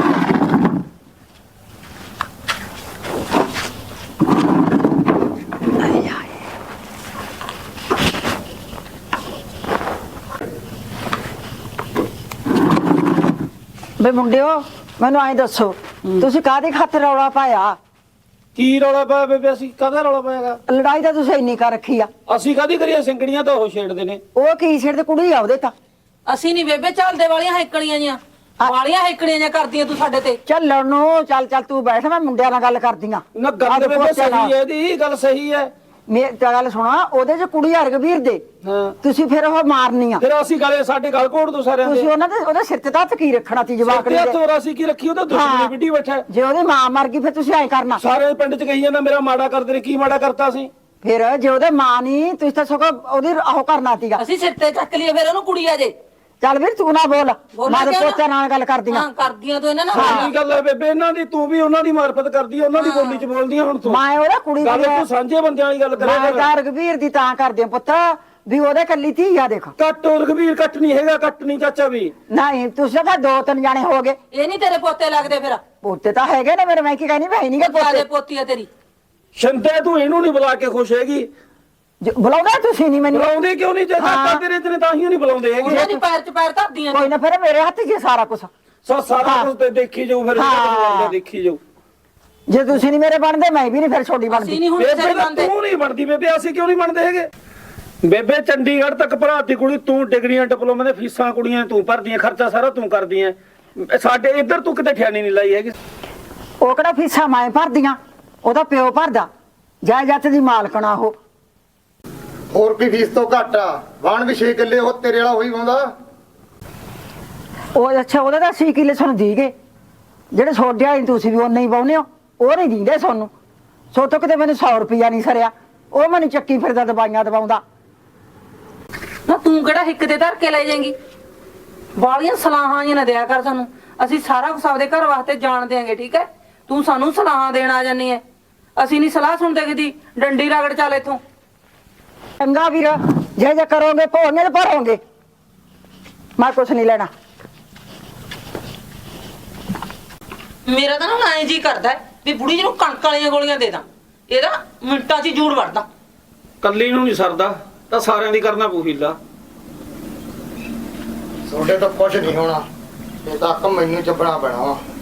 S11: ਬੇ ਮੁੰਡਿਓ ਮੈਨੂੰ ਐਂ ਦੱਸੋ, ਤੁਸੀਂ ਕਾਹਦੀ ਖਾਤਰ ਰੌਲਾ ਪਾਇਆ?
S6: ਕੀ ਰੌਲਾ ਪਾਇਆ ਬੇਬੇ? ਅਸੀਂ ਕਾਹਦਾ ਰੌਲਾ ਪਾਇਆਗਾ?
S11: ਲੜਾਈ ਤਾਂ ਤੁਸੀਂ ਇੰਨੀ ਕਰ ਰੱਖੀ ਆ।
S6: ਅਸੀਂ ਕਾਹਦੀ ਕਰੀਏ? ਸਿੰਗੜੀਆਂ ਤਾਂ ਉਹ ਛੇੜਦੇ ਨੇ।
S11: ਉਹ ਕੀ ਛੇੜ ਤੇ ਕੁੜੀ ਆ ਉਹਦੇ ਤਾਂ।
S4: ਅਸੀਂ ਨਹੀਂ ਬੇਬੇ ਚੱਲਦੇ ਵਾਲੀਆਂ ਹੈਕੜੀਆਂ ਜੀਆਂ, ਵਾਲੀਆਂ ਹੈਕੜੀਆਂ ਜੀਆਂ ਕਰਦੀਆਂ ਤੂੰ ਸਾਡੇ ਤੇ।
S11: ਚੱਲਣ ਨੂੰ ਚੱਲ ਤੂੰ ਬੈਠ, ਮੈਂ ਮੁੰਡਿਆਂ ਨਾਲ ਗੱਲ ਕਰਦੀਆਂ।
S6: ਨਾ ਗੱਲ ਬੇਬੇ ਸਹੀ ਹੈ, ਇਹਦੀ ਗੱਲ ਸਹੀ ਹੈ।
S11: ਮੇਰੀ ਤਾਂ ਗੱਲ ਸੁਣਾ, ਉਹਦੇ ਚ ਕੁੜੀ ਆ ਰਘਵੀਰ ਦੇ, ਤੁਸੀਂ ਫਿਰ ਉਹ ਮਾਰਨੀ ਆ।
S6: ਫਿਰ ਅਸੀਂ ਗਲੇ ਸਾਡੇ ਗਲ ਘੋੜ ਦੋ ਸਾਰਿਆਂ ਦੇ।
S11: ਤੁਸੀਂ ਉਹਨਾਂ ਦੇ ਉਹਦੇ ਸਿਰ ਤੇ ਤਾਂ ਹੱਥ ਕੀ ਰੱਖਣਾ ਸੀ ਜਵਾਕੜੀ
S6: ਤੇ
S11: ਦੇ?
S6: ਤੋਰਾ ਅਸੀਂ ਕੀ ਰੱਖੀ? ਉਹਦਾ ਦੁਸ਼ਮਣੀ ਵਿੱਢੀ ਬੈਠਾ।
S11: ਜੇ ਉਹਦੀ ਮਾਂ ਮਰ ਗਈ ਫਿਰ ਤੁਸੀਂ ਐਂ ਕਰਨਾ।
S6: ਸਾਰੇ ਪਿੰਡ ਚ ਕਹੀ ਜਾਂਦਾ ਮੇਰਾ ਮਾੜਾ ਕਰਦੇ ਨੇ। ਕੀ ਮਾੜਾ ਕਰਤਾ ਸੀ?
S11: ਫਿਰ ਜੇ ਉਹਦੇ ਮਾਂ ਨਹੀਂ, ਤੁਸੀਂ ਤਾਂ ਸਗੋਂ ਉਹਦੀ ਉਹ ਕਰਨਾ ਸੀਗਾ।
S4: ਅਸੀਂ ਸਿਰ ਤੇ ਚੱਕ ਲਈਏ ਫਿਰ ਉਹਨੂੰ ਕੁੜੀ ਆ ਜੇ।
S11: ਚੱਲ ਵੀਰ ਤੂੰ ਨਾ ਬੋਲ
S1: ਬੋਲਾਂ
S11: ਮੈਂ ਤੇ
S1: ਕਿਉਂ ਨਾ?
S11: ਪੋਤੇ ਨਾਲ ਗੱਲ ਕਰਦੀ ਆ
S1: ਹਾਂ ਕਰਦੀਆਂ ਤੂੰ ਇਹਨਾਂ ਨਾਲ
S6: ਕੀ ਗੱਲ ਹੈ ਬੇਬੇ ਇਹਨਾਂ ਦੀ ਤੂੰ ਵੀ ਉਹਨਾਂ ਦੀ ਮਾਰਫਤ ਕਰਦੀ ਹੈ ਉਹਨਾਂ ਦੀ ਬੋਲੀ ਚ ਬੋਲਦੀ ਹੈ ਹੁਣ ਤੂੰ
S11: ਮੈਂ ਉਹਦਾ ਕੁੜੀ
S6: ਗੱਲ
S11: ਦੀ
S6: ਤੂੰ ਸਾਂਝੇ ਬੰਦਿਆਂ ਵਾਲੀ ਗੱਲ ਕਰਿਆ
S11: ਮੈਂ
S6: ਕਰ
S11: ਤਾਂ ਰਘਵੀਰ ਦੀ ਤਾਂ ਕਰਦੀ ਆ ਪੁੱਤ ਵੀ ਉਹਦੇ ਕੱਲੀ ਧੀ ਆ ਦੇਖ
S6: ਕੱਟ ਰਘਵੀਰ ਕੱਟ ਨਹੀਂ ਹੈਗਾ ਕੱਟ ਨਹੀਂ ਚਾਚਾ ਵੀ
S11: ਨਹੀਂ ਤੁਸੀਂ ਤਾਂ 2-3 ਜਾਣੇ ਹੋ ਗਏ
S1: ਇਹ ਨਹੀਂ ਤੇਰੇ ਪੋਤੇ ਲੱਗਦੇ ਫਿਰ
S11: ਪੋਤੇ ਤਾਂ ਹੈਗੇ ਨੇ ਮੇਰੇ ਮੈਂ ਕੀ ਕਹਿਣੀ ਭਾਈ ਨਹੀਂ ਗੇ
S1: ਕਾਲੇ
S11: ਪੋਤੇ
S1: ਪੋਤੀ ਆ ਤੇਰੀ
S6: ਸ਼ੰਦੇ ਤੂੰ ਇਹਨੂੰ ਨਹੀਂ ਬੁਲਾ ਕੇ ਖੁਸ਼ ਹੈਗੀ
S11: ਬੁਲਾਉਂਦਾ ਤੁਸੀਂ ਨਹੀਂ ਮੈਨੂੰ
S6: ਬੁਲਾਉਂਦੇ ਕਿਉਂ ਨਹੀਂ ਜੇ
S11: ਹਾਂ।
S6: ਕਾਕਾ ਤੇਰੇ ਇਤਨੇ ਤਾਂ ਹੀ ਨਹੀਂ ਬੁਲਾਉਂਦੇ ਹੈਗੇ
S1: ਉਹਨਾਂ ਦੀ ਪੈਰ 'ਚ ਪੈਰ ਧਰਦੀਆਂ
S11: ਕੋਈ ਨਾ ਫਿਰ ਮੇਰੇ ਹੱਥ 'ਚ ਹੀ ਸਾਰਾ ਕੁਝ
S6: ਸੋ ਸਾਰਾ ਕੁਝ ਤੇ ਦੇਖੀ ਜਾਊ ਫਿਰ
S11: ਹਾਂ।
S6: ਦੇਖੀ ਜਾਊ
S11: ਜੇ ਤੁਸੀਂ ਨਹੀਂ ਮੇਰੇ ਬਣਦੇ ਮੈਂ ਵੀ ਨਹੀਂ ਫਿਰ ਛੋਟੀ
S1: ਅਸੀਂ
S11: ਬਣਦੀ
S1: ਨਹੀਂ ਹੁਣ
S6: ਬੇਬੇ
S1: ਕਿਸੇ ਦੇ ਬੰਦੇ
S6: ਤੂੰ ਨਹੀਂ ਬਣਦੀ ਬੇਬੇ ਅਸੀਂ ਕਿਉਂ ਨਹੀਂ ਬਣਦੇ ਹੈਗੇ ਬੇਬੇ ਚੰਡੀਗੜ੍ਹ ਤੱਕ ਭਰਾਤੀ ਕੁੜੀ ਤੂੰ ਡਿਗਰੀਆਂ ਡਿਪਲੋਮੇ ਦੇ ਫੀਸਾਂ ਕੁੜੀਆਂ ਤੂੰ ਭਰਦੀਆਂ ਖਰਚਾ ਸਾਰਾ ਤੂੰ ਕਰਦੀਆਂ ਸਾਡੇ ਇੱਧਰ ਤੂੰ ਕਿਤੇ ਠਿਆਣੀ ਨਹੀਂ ਲਾਈ ਹੈਗੀ
S11: ਉਹ ਕਿਹੜਾ ਫੀਸਾਂ ਮੈਂ ਭਰਦੀਆਂ ਉਹਦਾ ਪਿਓ ਭਰਦਾ ਜਾਇਦਾਦ ਦੀ ਮਾਲਕਣਾ ਉਹ
S3: ਹੋਰ ਕੀ ਫੀਸ ਤੋਂ ਘੱਟ ਆ ਵਾਣ ਵੀ 6 ਕਿੱਲੇ ਉਹ ਤੇਰੇ ਵਾਲਾ ਹੋਈ ਪਾਉਂਦਾ
S11: ਉਹ ਅੱਛਾ ਉਹਦਾ ਤਾਂ 6 ਕਿੱਲੇ ਸਾਨੂੰ ਦੀ ਗਏ ਜਿਹੜੇ ਛੋਡਿਆ ਤੁਸੀਂ ਵੀ ਉਹਨੇ ਹੀ ਪਾਉਨੇ ਹੋ ਉਹ ਨਹੀਂ ਦਿੰਦੇ ਸਾਨੂੰ ਸੋਤੋਂ ਕਿਤੇ ਮੈਨੂੰ 100 ਰੁਪਿਆ ਨਹੀਂ ਸਰਿਆ ਉਹ ਮੈਨੂੰ ਚੱਕੀ ਫਿਰਦਾ ਦਵਾਈਆਂ ਦਵਾਉਂਦਾ
S1: ਨਾ ਤੂੰ ਕਿਹੜਾ ਹਿੱਕ ਤੇ ਧਰ ਕੇ ਲੈ ਜਾਏਂਗੀ ਵਾਲੀਆਂ ਸਲਾਹਾਂ ਹੀ ਨਾ ਦਿਆ ਕਰ ਸਾਨੂੰ ਅਸੀਂ ਸਾਰਾ ਕੁਝ ਆਪਦੇ ਘਰ ਵਾਸਤੇ ਜਾਣ ਦਿਆਂਗੇ ਠੀਕ ਹੈ ਤੂੰ ਸਾਨੂੰ ਸਲਾਹਾਂ ਦੇਣ ਆ ਜਾਨੀ ਹੈ ਅਸੀਂ ਨਹੀਂ ਸਲਾਹ ਸੁਣਦੇ ਕਿਦੀ ਡੰਡੀ ਰਗੜ ਚੱਲ ਇੱਥੋਂ
S11: ਚੰਗਾ ਵੀਰ ਜੇ ਕਰੋਗੇ ਭੋਗੇ ਤੇ ਭਰੋਗੇ ਮੈਂ ਕੁਛ ਨਹੀਂ ਲੈਣਾ
S1: ਮੇਰਾ ਤਾਂ ਨਾ ਐਂ ਜੀ ਕਰਦਾ ਹੈ ਵੀ ਬੁੜੀ ਜਿਹਨੂੰ ਕਣਕ ਵਾਲੀਆਂ ਗੋਲੀਆਂ ਦੇ ਦਾਂ ਇਹਦਾ ਮਿੰਟਾਂ 'ਚ ਹੀ ਜੂੜ ਵੜਦਾ
S6: ਕੱਲੀ ਨੂੰ ਨਹੀਂ ਸਰਦਾ ਤਾਂ ਸਾਰਿਆਂ ਦੀ ਕਰਨਾ ਪਊ ਹੀਲਾ
S3: ਤੁਹਾਡੇ ਤੋਂ ਕੁਝ ਨਹੀਂ ਹੋਣਾ ਇਹ ਤਾਂ ਮੈਨੂੰ ਚੱਬਣਾ ਪੈਣਾ ਵਾ